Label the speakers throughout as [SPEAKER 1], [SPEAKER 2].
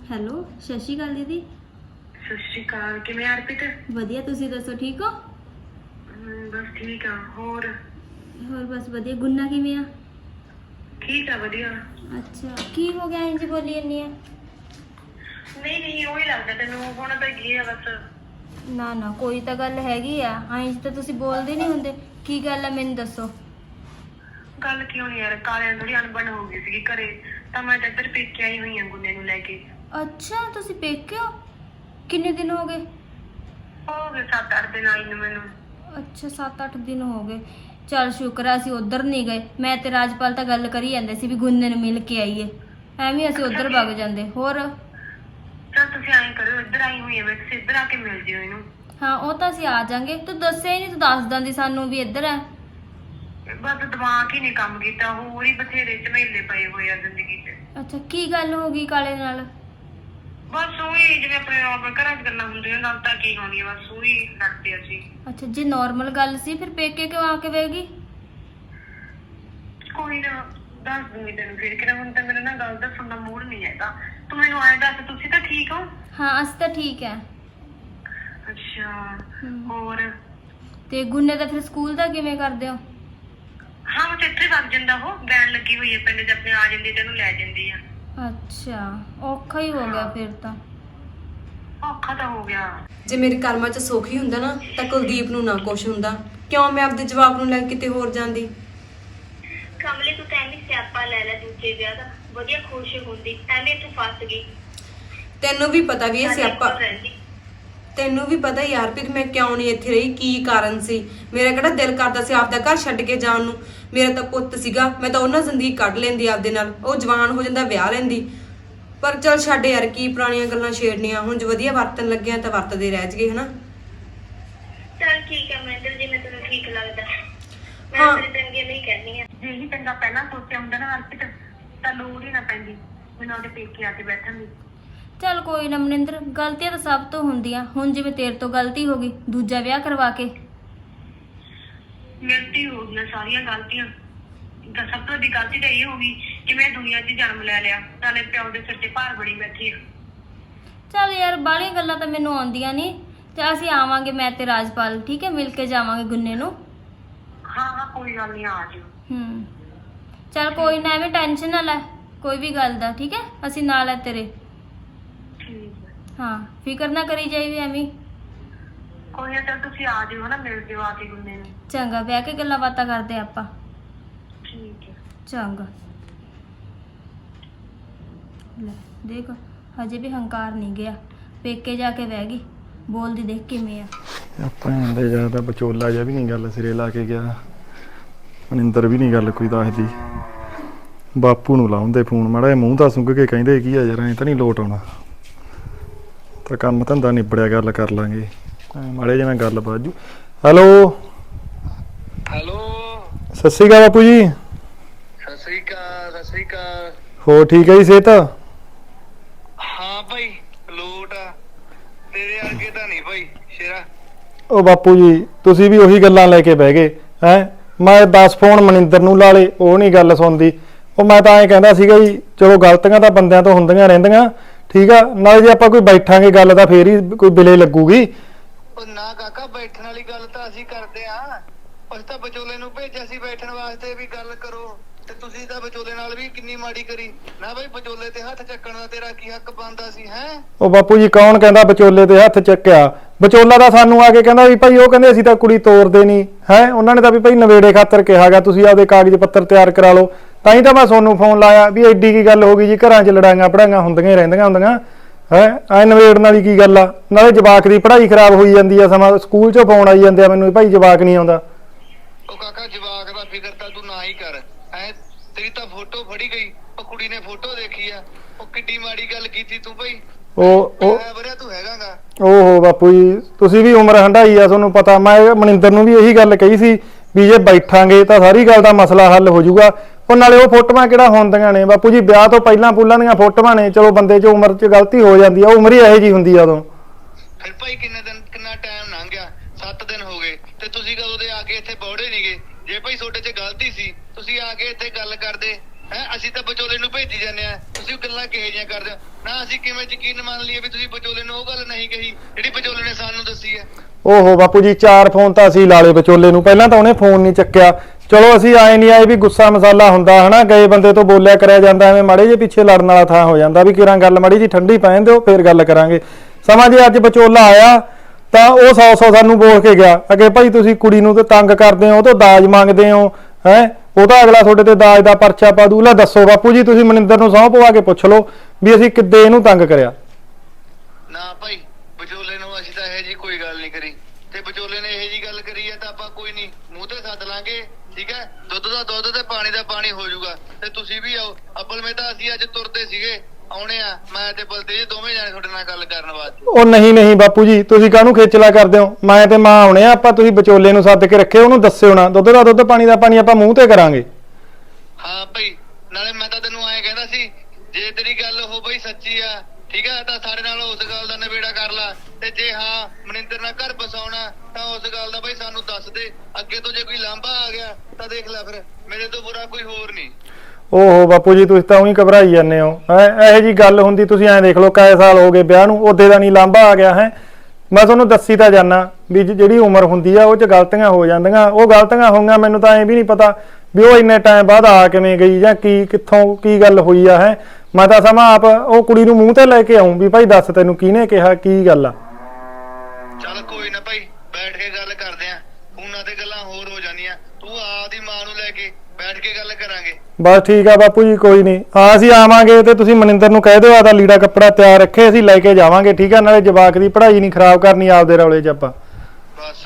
[SPEAKER 1] Hello, ਸਤਿ ਸ਼੍ਰੀ ਅਕਾਲ ਦੀਦੀ।
[SPEAKER 2] ਸਤਿ ਸ਼੍ਰੀ ਅਕਾਲ। ਕਿਵੇਂ ਹਰਪ੍ਰੀਤ?
[SPEAKER 1] ਵਧੀਆ, ਤੁਸੀਂ ਦੱਸੋ ਠੀਕ ਹੋ?
[SPEAKER 2] ਬਸ ਠੀਕ ਆ। ਹੋਰ
[SPEAKER 1] ਬਸ ਵਧੀਆ। ਗੁੰਨਾ ਕਿਵੇਂ ਆ?
[SPEAKER 2] ਠੀਕ ਆ, ਵਧੀਆ।
[SPEAKER 1] ਅੱਛਾ, ਕੀ ਹੋ ਗਿਆ ਇੰਜ ਬੋਲੀ ਜਾਂਦੀ ਆ?
[SPEAKER 2] ਨਹੀਂ ਉਹੀ ਲੱਗਦਾ ਤੈਨੂੰ, ਹੁਣ ਤਾਂ ਕੀ ਆ ਬਸ।
[SPEAKER 1] ਨਾ ਨਾ, ਕੋਈ ਤਾਂ ਗੱਲ ਹੈਗੀ ਆ। ਇੰਜ ਤਾਂ ਤੁਸੀਂ ਬੋਲਦੇ ਨਹੀਂ ਹੁੰਦੇ। ਕੀ ਗੱਲ ਆ, ਮੈਨੂੰ ਦੱਸੋ।
[SPEAKER 2] ਗੱਲ ਕਿਉਂ ਨਹੀਂ ਯਾਰ, ਕਾਲਿਆਂ ਥੋੜੀ ਅਣਬਣ ਹੋ ਗਈ ਸੀਗੀ ਘਰੇ, ਤਾਂ ਮੈਂ ਤਾਂ ਇੱਧਰ ਪੇਕੇ ਆਈ ਹੋਈ ਆ ਗੁੰਨੇ ਨੂੰ ਲੈ ਕੇ।
[SPEAKER 1] ਅੱਛਾ, ਤੁਸੀਂ ਪੇਕੇ ਹੋ? ਕਿੰਨੇ ਦਿਨ ਹੋ ਗਏ?
[SPEAKER 2] ਹੋ ਗਏ 7-8 ਦਿਨ ਆਈ ਨੂੰ ਮੈਨੂੰ।
[SPEAKER 1] ਅੱਛਾ, 7-8 ਦਿਨ ਹੋ ਗਏ। ਚੱਲ ਸ਼ੁਕਰ ਆ ਅਸੀਂ ਉਧਰ ਨਹੀਂ ਗਏ। ਮੈਂ ਤੇ ਰਾਜਪਾਲ ਤਾਂ ਗੱਲ ਕਰੀ ਜਾਂਦੇ ਸੀ ਵੀ ਗੁੰਨੇ ਨੂੰ ਮਿਲ ਕੇ ਆਈਏ। ਐਵੇਂ ਅਸੀਂ ਉਧਰ ਵਗ ਜਾਂਦੇ। ਹੋਰ
[SPEAKER 2] ਚਲ ਤੁਸੀਂ ਐਂ ਕਰਿਓ, ਇੱਧਰ ਆਈ ਹੋਈ ਆ ਮੈਂ, ਤੁਸੀਂ ਇੱਧਰ ਆ ਕੇ ਮਿਲ ਜਿਓ ਇਹਨੂੰ।
[SPEAKER 1] ਹਾਂ, ਉਹ ਤਾਂ ਅਸੀਂ ਆ ਜਾਾਂਗੇ। ਤੂੰ ਦੱਸਿਆ ਹੀ ਨਹੀਂ, ਤੂੰ ਦੱਸ ਦਿੰਦੀ ਸਾਨੂੰ ਵੀ ਇੱਧਰ ਆ।
[SPEAKER 2] ਬਸ ਦਿਮਾਗ ਹੀ ਨਹੀਂ ਕੰਮ ਕੀਤਾ, ਹੋਰ ਹੀ ਬਥੇਰੇ ਝਮੇਲੇ ਪਏ ਹੋਏ ਆ ਜ਼ਿੰਦਗੀ 'ਚ।
[SPEAKER 1] ਅੱਛਾ, ਕੀ ਗੱਲ ਹੋ ਗਈ ਕਾਲੇ ਨਾਲ?
[SPEAKER 2] ਬਸ ਉਹੀ ਜਿਵੇਂ ਆਪਣੇ ਨੌਰਮਲ ਘਰਾਂ 'ਚ ਗੱਲਾਂ ਹੁੰਦੀਆਂ, ਗੱਲ ਤਾਂ ਕੀ ਹੋਣੀ ਆ, ਬਸ ਉਹੀ ਲੜਦੇ ਅਸੀਂ।
[SPEAKER 1] ਅੱਛਾ, ਜੇ ਨਾਰਮਲ ਗੱਲ ਸੀ ਫਿਰ ਪੇਕੇ ਕਿਉਂ ਆ ਕੇ ਬਹਿ?
[SPEAKER 2] ਕੋਈ ਨਾ, ਦੱਸ ਦੂੰਗੀ ਤੈਨੂੰ ਫਿਰ ਕਿਹੜਾ। ਹੁਣ ਤਾਂ ਮੇਰਾ ਨਾ ਗੱਲ ਦੱਸਣ ਦਾ ਮੂਡ ਨਹੀਂ ਹੈਗਾ। ਤੂੰ ਮੈਨੂੰ ਆਏ ਦੱਸ, ਤੁਸੀਂ ਤਾਂ ਠੀਕ ਹੋ?
[SPEAKER 1] ਹਾਂ, ਅਸੀਂ ਤਾਂ ਠੀਕ ਹੈ।
[SPEAKER 2] ਅੱਛਾ, ਹੋਰ?
[SPEAKER 1] ਤੇ ਗੁੰਨੇ ਦਾ ਫਿਰ ਸਕੂਲ ਦਾ ਕਿਵੇਂ ਕਰਦੇ ਹੋ?
[SPEAKER 2] ਹਾਂ, ਉਹ ਇੱਥੇ ਵਗ ਜਾਂਦਾ, ਉਹ ਬੈਣ ਲੱਗੀ ਹੋਈ ਹੈ ਪਿੰਡ 'ਚ ਆਪਣੇ, ਆ ਜਾਂਦੀ ਤੈਨੂੰ ਲੈ ਜਾਂਦੀ ਆ।
[SPEAKER 1] ਅੱਛਾ, ਔਖਾ ਹੀ ਹੋ ਗਿਆ ਫਿਰ ਤਾਂ।
[SPEAKER 2] ਔਖਾ ਤਾਂ ਹੋ ਗਿਆ।
[SPEAKER 3] ਜੇ ਮੇਰੇ ਕਰਮਾਂ 'ਚ ਸੁੱਖ ਹੀ ਹੁੰਦਾ ਨਾ ਤਾਂ ਕੁਲਦੀਪ ਨੂੰ ਨਾ ਕੁਛ ਹੁੰਦਾ। ਕਿਉਂ ਮੈਂ ਆਪਦੇ ਜਵਾਬ ਨੂੰ ਲੈ ਕਿਤੇ ਹੋਰ ਜਾਂਦੀ?
[SPEAKER 2] ਕਮਲੇ ਤੂੰ ਤਾਂ ਐਵੇਂ ਸਿਆਪਾ ਲੈ ਦੂਜੇ ਵਿਆਹ ਦਾ, ਵਧੀਆ ਖੁਸ਼ ਹੁੰਦੀ, ਐਵੇਂ ਤੂੰ ਫਸ ਗਈ।
[SPEAKER 3] ਤੈਨੂੰ ਵੀ ਪਤਾ ਵੀ ਇਹ ਸਿਆਪਾ, ਤੈਨੂੰ ਵੀ ਪਤਾ ਯਾਰ ਵੀ ਮੈਂ ਕਿਉਂ ਨਹੀਂ ਇੱਥੇ ਰਹੀ, ਕੀ ਕਾਰਨ ਸੀ। ਮੇਰਾ ਕਿਹੜਾ ਦਿਲ ਕਰਦਾ ਸੀ ਆਪਦਾ ਘਰ ਛੱਡ ਕੇ ਜਾਣ ਨੂੰ। ਮੇਰਾ ਤਾਂ ਪੁੱਤ ਸੀਗਾ, ਮੈਂ ਤਾਂ ਉਹਨਾਂ ਜ਼ਿੰਦਗੀ ਕੱਢ ਲੈਂਦੀ ਆਪਦੇ ਨਾਲ। ਉਹ ਜਵਾਨ ਹੋ ਜਾਂਦਾ, ਵਿਆਹ ਲੈਂਦੀ। ਪਰ ਚੱਲ ਛੱਡ ਯਾਰ, ਕੀ ਪੁਰਾਣੀਆਂ ਗੱਲਾਂ ਛੇੜਨੀਆਂ। ਹੁਣ ਜੇ ਵਧੀਆ ਵਰਤਣ ਲੱਗਿਆ ਤਾਂ ਵਰਤਦੇ ਰਹਿ ਜਗੇ, ਹਨਾ।
[SPEAKER 2] ਚੱਲ ਠੀਕ ਹੈ ਮਹਿੰਦਰ, ਜਿਵੇਂ ਤੈਨੂੰ ਠੀਕ ਲੱਗਦਾ।
[SPEAKER 3] ਹਾਂ।
[SPEAKER 2] ਮੈਂ ਤੇਰੇ ਚੰਗੇ ਨਹੀਂ ਕਹਿੰਦੀ ਆ। ਜੇ ਹੀ ਚੰਗਾ ਪਹਿਲਾਂ ਸੋਚਿਆ ਹੁੰਦਾ ਨਾ ਹਰਪ੍ਰੀਤ, ਤਾਂ ਲੋੜ ਹੀ ਨਾ ਪੈਂਦੀ ਮੈਨੂੰ ਉਹਦੇ ਪੇਕੇ ਆ ਕੇ ਬੈਠਣ ਦੀ।
[SPEAKER 1] ਚੱਲ ਕੋਈ ਨਾ ਮਨਿੰਦਰ, ਗਲਤੀਆਂ ਤਾਂ ਸਭ ਤੋਂ ਹੁੰਦੀਆਂ। ਹੁਣ ਜਿਵੇਂ ਤੇਰੇ ਤੋਂ ਗਲਤੀ ਹੋ ਗਈ ਦੂਜਾ ਵਿਆਹ ਕਰਵਾ ਕੇ।
[SPEAKER 2] ਗਲਤੀ ਹੋ ਗਈਆਂ, ਸਾਰੀਆਂ ਗਲਤੀਆਂ। ਤਾਂ ਸਭ ਤੋਂ ਵੱਡੀ ਗਲਤੀ ਤਾਂ ਇਹ ਹੋ ਗਈ ਕਿ ਮੈਂ ਦੁਨੀਆ 'ਚ ਜਨਮ ਲੈ ਲਿਆ, ਨਾਲੇ ਪਿਓ ਦੇ ਸਿਰ ਤੇ ਭਾਰ ਬੜੀ ਬੈਠੀ ਆ।
[SPEAKER 1] ਚੱਲ ਯਾਰ, ਬਾਹਲੀਆਂ ਗੱਲਾਂ ਤਾਂ ਮੈਨੂੰ ਆਉਂਦੀਆਂ ਨਹੀਂ। ਤੇ ਅਸੀਂ ਆਵਾਂਗੇ, ਮੈਂ ਤੇ ਰਾਜਪਾਲ, ਠੀਕ ਹੈ, ਮਿਲ ਕੇ ਜਾਵਾਂਗੇ ਗੁੰਨੇ ਨੂੰ।
[SPEAKER 2] ਹਾਂ ਕੋਈ ਗੱਲ ਨਹੀਂ, ਆ ਜਿਓ।
[SPEAKER 1] ਚੱਲ ਕੋਈ ਨਾ, ਐਵੇਂ ਟੈਨਸ਼ਨ ਨਾ ਲੈ ਕੋਈ ਵੀ ਗੱਲ ਦਾ, ਠੀਕ ਹੈ। ਅਸੀਂ ਨਾਲ ਹੈ ਤੇਰੇ।
[SPEAKER 2] ਠੀਕ ਹੈ।
[SPEAKER 1] ਹਾਂ, ਫਿਕਰ ਨਾ ਕਰੀ ਜਾਈਏ ਐਵੇਂ।
[SPEAKER 2] ਕੋਈ ਨਾ, ਚੱਲ ਤੁਸੀਂ ਆ ਜਿਓ ਹਨਾ, ਮਿਲ ਜਿਓ ਆ ਕੇ ਗੁੰਨੇ ਨੂੰ।
[SPEAKER 1] ਚੰਗਾ, ਬਹਿ ਕੇ ਗੱਲਾਂ ਬਾਤਾਂ ਕਰਦੇ ਆਪਾਂ।
[SPEAKER 2] ਠੀਕ ਹੈ।
[SPEAKER 1] ਚੰਗਾ। ਲੈ ਦੇਖ, ਹਜੇ ਵੀ ਹੰਕਾਰ ਨਹੀਂ ਗਿਆ। ਪੇਕੇ ਜਾ ਕੇ ਬਹਿ ਗਈ। ਬੋਲਦੀ ਦੇਖ ਕਿਵੇਂ ਆ।
[SPEAKER 4] ਆਪਾਂ ਦੇ ਜ਼ਿਆਦਾ ਵਿਚੋਲਾ ਜਿਹਾ ਵੀ ਨਹੀਂ ਗੱਲ ਸਿਰੇ ਲਾ ਕੇ ਗਿਆ। ਮਨਿੰਦਰ ਵੀ ਨਹੀਂ ਗੱਲ ਕੋਈ ਦੱਸਦੀ। ਬਾਪੂ ਨੂੰ ਲਾਉਂਦੇ ਫੋਨ, ਮਾੜਾ ਜਿਹਾ ਮੂੰਹ ਤਾਂ ਸੁੰਘ ਕੇ ਕਹਿੰਦੇ ਕੀ ਆ ਯਾਰ, ਐਂ ਤਾਂ ਨਹੀਂ ਲੋਟ ਆਉਣਾ। ਤਾਂ ਕੰਮ ਧੰਦਾ ਨਿਬੜਿਆ, ਗੱਲ ਕਰ ਲਾਂਗੇ। ਮਾੜੇ ਜਿਹੇ ਨਾਲ ਗੱਲ ਬਾਜੂ। ਹੈਲੋ
[SPEAKER 5] ਹੈਲੋ,
[SPEAKER 4] ਸਤਿ ਸ਼੍ਰੀ ਅਕਾਲ ਬਾਪੂ ਜੀ।
[SPEAKER 5] ਸਤਿ ਸ੍ਰੀ ਅਕਾਲ। ਸਤਿ ਸ੍ਰੀ ਅਕਾਲ।
[SPEAKER 4] ਹੋਰ ਠੀਕ ਹੈ ਜੀ ਸਿਹਤ?
[SPEAKER 5] ਹਾਂ ਭਾਈ, ਲੋਟ ਆ। ਤੇਰੇ ਅੱਗੇ ਤਾਂ ਨਹੀਂ ਭਾਈ ਸ਼ੇਰਾ।
[SPEAKER 4] ਉਹ ਬਾਪੂ ਜੀ, ਤੁਸੀਂ ਵੀ ਉਹੀ ਗੱਲਾਂ ਲੈ ਕੇ ਬਹਿ ਗਏ ਹੈ। ਮੈਂ 10 ਫੋਨ ਮਨਿੰਦਰ ਨੂੰ ਲਾ ਲਏ, ਉਹ ਨਹੀਂ ਗੱਲ ਸੁਣਦੀ। ਉਹ ਮੈਂ ਤਾਂ ਐਂ ਕਹਿੰਦਾ ਸੀਗਾ ਜੀ, ਚਲੋ ਗਲਤੀਆਂ ਤਾਂ ਬੰਦਿਆਂ ਤੋਂ ਹੁੰਦੀਆਂ ਰਹਿੰਦੀਆਂ, ਠੀਕ ਆ। ਨਾਲੇ ਜੇ ਆਪਾਂ ਕੋਈ ਬੈਠਾਂਗੇ ਗੱਲ ਤਾਂ ਫੇਰ ਹੀ ਕੋਈ ਬਿਲੇ ਲੱਗੂਗੀ।
[SPEAKER 5] ਉਹ ਨਾ ਕਾਕਾ, ਬੈਠਣ ਵਾਲੀ ਗੱਲ ਤਾਂ ਅਸੀਂ ਕਰਦੇ ਆਂ। ਅਸੀਂ ਤਾਂ ਵਿਚੋਲੇ ਨੂੰ ਭੇਜਿਆ ਸੀ ਬੈਠਣ ਵਾਸਤੇ ਵੀ ਗੱਲ ਕਰੋ, ਤੇ ਤੁਸੀਂ ਤਾਂ ਵਿਚੋਲੇ ਨਾਲ ਵੀ ਕਿੰਨੀ ਮਾੜੀ ਕਰੀ ਨਾ ਭਾਈ। ਵਿਚੋਲੇ ਤੇ ਹੱਥ ਚੱਕਣ ਦਾ ਤੇਰਾ ਕੀ ਹੱਕ ਬਣਦਾ ਸੀ ਹੈ?
[SPEAKER 4] ਉਹ ਬਾਪੂ ਜੀ, ਕੌਣ ਕਹਿੰਦਾ ਵਿਚੋਲੇ ਤੇ ਹੱਥ ਚੱਕਿਆ? ਵਿਚੋਲਾ ਤਾਂ ਸਾਨੂੰ ਆ ਕੇ ਕਹਿੰਦਾ ਵੀ ਭਾਈ, ਉਹ ਕਹਿੰਦੇ ਅਸੀਂ ਤਾਂ ਕੁੜੀ ਤੋਰਦੇ ਨਹੀਂ ਹੈ। ਉਹਨਾਂ ਨੇ ਤਾਂ ਵੀ ਭਾਈ ਨਵੇੜੇ ਖਾਤਰ ਕਿਹਾਗਾ, ਤੁਸੀਂ ਆਪਦੇ ਕਾਗਜ਼ ਪੱਤਰ ਤਿਆਰ ਕਰਾ ਲਓ। ਤਾਂ ਹੀ ਤਾਂ ਮੈਂ ਤੁਹਾਨੂੰ ਫੋਨ ਲਾਇਆ ਵੀ ਐਡੀ ਕੀ ਗੱਲ ਹੋ ਗਈ ਜੀ, ਘਰਾਂ 'ਚ ਲੜਾਈਆਂ ਪੜਾਈਆਂ ਹੁੰਦੀਆਂ ਹੀ ਰਹਿੰਦੀਆਂ ਹੁੰਦੀਆਂ ਹੈ। ਐ ਨਵੇੜਨ ਵਾਲੀ ਕੀ ਗੱਲ ਆ? ਨਾਲੇ ਜਵਾਕ ਦੀ ਪੜ੍ਹਾਈ ਖਰਾਬ ਹੋਈ ਜਾਂਦੀ ਆ, ਸਮਾਂ ਸਕੂਲ 'ਚੋਂ ਫੋਨ ਆਈ ਜਾਂਦੇ ਆ ਮੈਨੂੰ, ਭਾਈ ਜਵਾਕ ਨਹੀਂ ਆਉਂਦਾ।
[SPEAKER 5] ਉਹ ਕਾਕਾ, ਜਵਾਕ ਦਾ ਫਿਕਰ ਤਾਂ ਤੂੰ ਨਾ ਹੀ ਕਰ ਹੈ। ਤੇਰੀ ਤਾਂ ਫੋਟੋ ਫੜੀ ਗਈ, ਉਹ ਕੁੜੀ ਨੇ ਫੋਟੋ ਦੇਖੀ ਆ। ਉਹ ਕਿੱਡੀ ਮਾੜੀ ਗੱਲ ਕੀਤੀ ਤੂੰ ਭਾਈ।
[SPEAKER 4] ਉਹ
[SPEAKER 5] ਵਰਿਆ ਤੂੰ ਹੈਗਾਗਾ।
[SPEAKER 4] ਓਹੋ ਬਾਪੂ ਜੀ, ਤੁਸੀਂ ਵੀ ਉਮਰ ਹੰਢਾਈ ਆ, ਤੁਹਾਨੂੰ ਪਤਾ। ਮੈਂ ਮਨਿੰਦਰ ਨੂੰ ਵੀ ਇਹੀ ਗੱਲ ਕਹੀ ਸੀ ਵੀ ਜੇ ਬੈਠਾਂਗੇ ਤਾਂ ਸਾਰੀ ਗੱਲ ਦਾ ਮਸਲਾ ਹੱਲ ਹੋ ਜਾਊਗਾ। ਉਹ ਨਾਲੇ ਉਹ ਫੋਟੋਆਂ ਕਿਹੜਾ ਹੁੰਦੀਆਂ ਨੇ ਬਾਪੂ ਜੀ, ਵਿਆਹ ਤੋਂ ਪਹਿਲਾਂ ਪੂਲਾਂ ਦੀਆਂ ਫੋਟੋਆਂ ਨੇ। ਚਲੋ ਬੰਦੇ 'ਚ ਉਮਰ 'ਚ ਗਲਤੀ ਹੋ ਜਾਂਦੀ ਆ, ਉਮਰ ਹੀ ਇਹੋ ਜਿਹੀ ਹੁੰਦੀ ਆ ਉਦੋਂ।
[SPEAKER 5] ਫਿਰ ਭਾਈ ਕਿੰਨਾ ਟਾਈਮ ਲੰਘ ਗਿਆ? 7 ਦਿਨ ਹੋ ਗਏ ਤੇ ਤੁਸੀਂ ਕਦੋਂ ਦੇ ਆ ਕੇ ਇੱਥੇ ਬੌੜੇ ਨਹੀਂਗੇ। ਜੇ ਭਾਈ ਤੁਹਾਡੇ 'ਚ ਗਲਤੀ ਸੀ, ਤੁਸੀਂ ਆ ਕੇ ਇੱਥੇ ਗੱਲ ਕਰਦੇ ਹੈ ਅਸੀਂ ਤਾਂ ਵਿਚੋਲੇ ਨੂੰ ਭੇਜੀ ਜਾਂਦੇ ਆ, ਤੁਸੀਂ ਗੱਲਾਂ ਕਿਹੋ ਜਿਹੀਆਂ ਕਰਦੇ ਹੋ? ਨਾ ਅਸੀਂ ਕਿਵੇਂ ਯਕੀਨ ਮੰਨ ਲਈਏ ਵੀ ਤੁਸੀਂ ਵਿਚੋਲੇ ਨੂੰ ਉਹ ਗੱਲ ਨਹੀਂ ਕਹੀ ਜਿਹੜੀ ਵਿਚੋਲੇ ਨੇ ਸਾਨੂੰ ਦੱਸੀ ਹੈ?
[SPEAKER 4] ਓਹੋ ਬਾਪੂ ਜੀ 4 ਫੋਨ ਤਾਂ ਅਸੀਂ ਲਾ ਲਏ ਵਿਚੋਲੇ ਨੂੰ, ਪਹਿਲਾਂ ਤਾਂ ਉਹਨੇ ਫੋਨ ਨਹੀਂ ਚੱਕਿਆ। ਚਲੋ ਅਸੀਂ ਆਏ ਨਹੀਂ ਆਏ ਵੀ ਗੁੱਸਾ ਮਸਾਲਾ ਹੁੰਦਾ ਹਨਾ, ਗਏ ਬੰਦੇ ਤੋਂ ਬੋਲਿਆ ਕਰਿਆ ਜਾਂਦਾ, ਐਵੇਂ ਮਾੜੇ ਜੇ ਪਿੱਛੇ ਲੜਨ ਵਾਲਾ ਥਾਂ ਹੋ ਜਾਂਦਾ ਵੀ ਕਿਰਾਂ ਗੱਲ ਮਾੜੀ ਜੀ ਠੰਡੀ ਪੈਣ ਦਿਓ ਫੇਰ ਗੱਲ ਕਰਾਂਗੇ। ਸਮਾਂ ਜੇ ਅੱਜ ਵਿਚੋਲਾ ਆਇਆ ਤਾਂ ਉਹ 100 ਸਾਨੂੰ ਬੋਲ ਕੇ ਗਿਆ ਅੱਗੇ, ਭਾਈ ਤੁਸੀਂ ਕੁੜੀ ਨੂੰ ਤੇ ਤੰਗ ਕਰਦੇ ਹੋ, ਉਹ ਤੋਂ ਦਾਜ ਮੰਗਦੇ ਹੋ ਹੈ, ਉਹ ਤਾਂ ਅਗਲਾ ਤੁਹਾਡੇ ਤੇ ਦਾਜ ਦਾ ਪਰਚਾ ਪਾ ਦੂ। ਲੈ ਦੱਸੋ ਬਾਪੂ ਜੀ, ਤੁਸੀਂ ਮਨਿੰਦਰ ਨੂੰ ਸਹੁੰ ਪਵਾ ਕੇ ਪੁੱਛ ਲਓ ਵੀ ਅਸੀਂ ਕਿੱਦੇ ਇਹਨੂੰ ਤੰਗ ਕਰਿਆ।
[SPEAKER 5] ਨਾ ਭਾਈ ਵਿਚੋਲੇ ਨੂੰ ਅਸੀਂ ਤਾਂ ਇਹ ਜੀ ਕੋਈ ਗੱਲ ਨਹੀਂ ਕਰੀ, ਤੇ ਵਿਚੋਲੇ ਨੇ ਇਹ ਜੀ ਗੱਲ ਕਰੀ ਹੈ ਤਾਂ ਆਪਾਂ ਕੋਈ ਨਹੀਂ ਮੂੰਹ ਤੇ ਸੱਦ ਲਾਂਗੇ, ਠੀਕ ਹੈ? ਦੁੱਧ ਦਾ ਦੁੱਧ ਤੇ ਪਾਣੀ ਦਾ ਪਾਣੀ ਹੋ ਜਾਊਗਾ, ਤੇ ਤੁਸੀਂ ਵੀ ਆਓ। ਅਪਲ ਮੈਂ ਤਾਂ ਅਸੀਂ ਅੱਜ ਤੁਰਦੇ ਸੀਗੇ, ਆਉਣੇ ਆ ਮੈਂ ਤੇ ਬਲਤੇਜ ਦੋਵੇਂ ਜਾਣੇ ਤੁਹਾਡੇ ਨਾਲ ਗੱਲ ਕਰਨ ਵਾਸਤੇ।
[SPEAKER 4] ਉਹ ਨਹੀਂ ਬਾਪੂ ਜੀ, ਤੁਸੀਂ ਕਾਹਨੂੰ ਖੇਚਲਾ ਕਰਦੇ ਹੋ? ਮੈਂ ਤੇ ਮਾਂ ਆਉਣੇ ਆ ਆਪਾਂ, ਤੁਸੀਂ ਵਿਚੋਲੇ ਨੂੰ ਸੱਦ ਕੇ ਰੱਖਿਓ, ਉਹਨੂੰ ਦੱਸਿਓ ਨਾ, ਦੁੱਧ ਦਾ ਦੁੱਧ ਪਾਣੀ ਦਾ ਪਾਣੀ ਆਪਾਂ ਮੂੰਹ ਤੇ ਕਰਾਂਗੇ।
[SPEAKER 5] ਹਾਂ ਭਾਈ, ਨਾਲੇ ਮੈਂ ਤਾਂ ਤੈਨੂੰ ਐਂ ਕਹਿੰਦਾ ਸੀ ਜੇ ਤੇਰੀ ਗੱਲ ਉਹ ਬਈ ਸੱਚੀ ਆ, ਠੀਕ ਹੈ, ਤਾਂ ਸਾਡੇ ਨਾਲ ਉਸ ਗੱਲ ਦਾ ਨਿਬੇੜਾ ਕਰ ਲਾ, ਤੇ ਜੇ ਹਾਂ ਮਨਿੰਦਰ ਨਾਲ ਘਰ ਬਸਾਉਣਾ ਤਾਂ ਉਸ ਗੱਲ ਦਾ ਬਈ ਸਾਨੂੰ ਦੱਸ ਦੇ। ਅੱਗੇ ਤੋਂ ਜੇ ਕੋਈ ਲਾਂਭਾ ਆ ਗਿਆ ਤਾਂ ਦੇਖ ਲੈ, ਫਿਰ ਮੇਰੇ ਤੋਂ ਬੁਰਾ ਕੋਈ ਹੋਰ ਨਹੀਂ।
[SPEAKER 4] ਓਹੋ ਬਾਪੂ ਜੀ, ਤੁਸੀਂ ਤਾਂ ਉਹੀ ਘਬਰਾਈ ਜਾਂਦੇ ਹੋ। ਇਹੋ ਜੀ ਗੱਲ ਹੁੰਦੀ, ਤੁਸੀਂ ਐਂ ਦੇਖ ਲਓ ਕਾਏ ਸਾਲ ਹੋ ਗਏ ਵਿਆਹ ਨੂੰ, ਉਹਦੇ ਦਾ ਨਹੀਂ ਲਾਂਭਾ ਆ ਗਿਆ ਹੈ। ਮੈਂ ਤੁਹਾਨੂੰ ਦੱਸੀ ਤਾਂ ਜਾਨਾ ਵੀ ਜਿਹੜੀ ਉਮਰ ਹੁੰਦੀ ਆ ਉਹ 'ਚ ਗਲਤੀਆਂ ਹੋ ਜਾਂਦੀਆਂ, ਉਹ ਗਲਤੀਆਂ ਹੋਈਆਂ, ਮੈਨੂੰ ਤਾਂ ਐਂ ਵੀ ਨਹੀਂ ਪਤਾ ਵੀ ਉਹ ਇੰਨੇ ਟਾਈਮ ਬਾਅਦ ਆ ਕਿਵੇਂ ਗਈ ਜਾਂ ਕੀ ਕਿੱਥੋਂ ਕੀ ਗੱਲ ਹੋਈ ਆ ਹੈ। ਮੈਂ ਤਾਂ ਸਮਾਂ ਆਪ ਉਹ ਕੁੜੀ ਨੂੰ ਮੂੰਹ ਤੇ ਲੈ ਕੇ ਆਉਂ ਵੀ ਭਾਈ ਦੱਸ ਤੈਨੂੰ ਕਿਹਨੇ ਕਿਹਾ, ਕੀ ਗੱਲ ਆ।
[SPEAKER 5] ਚੱਲ ਕੋਈ ਨਾ ਭਾਈ, ਬੈਠ ਕੇ ਗੱਲ ਕਰਦੇ ਆਂ, ਫੋਨਾਂ ਤੇ ਗੱਲਾਂ ਹੋਰ ਹੋ ਜਾਂਦੀਆਂ, ਤੂੰ ਆਪਦੀ ਮਾਂ ਨੂੰ ਲੈ ਕੇ ਬੈਠ ਕੇ ਗੱਲ ਕਰਾਂਗੇ।
[SPEAKER 4] ਬਸ ਠੀਕ ਆ ਬਾਪੂ ਜੀ, ਕੋਈ ਨਹੀਂ, ਹਾਂ ਅਸੀਂ ਆਵਾਂਗੇ ਤੇ ਤੁਸੀਂ ਮਨਿੰਦਰ ਨੂੰ ਕਹਿ ਦਿਓ ਆਦਾ ਲੀੜਾ ਕੱਪੜਾ ਤਿਆਰ ਰੱਖੇ, ਅਸੀਂ ਲੈ ਕੇ ਜਾਵਾਂਗੇ, ਠੀਕ ਆ? ਨਾਲੇ ਜਵਾਕ ਦੀ ਪੜ੍ਹਾਈ ਨਹੀਂ ਖਰਾਬ ਕਰਨੀ ਆਪਦੇ ਰੌਲੇ 'ਚ ਆਪਾਂ।
[SPEAKER 5] ਬਸ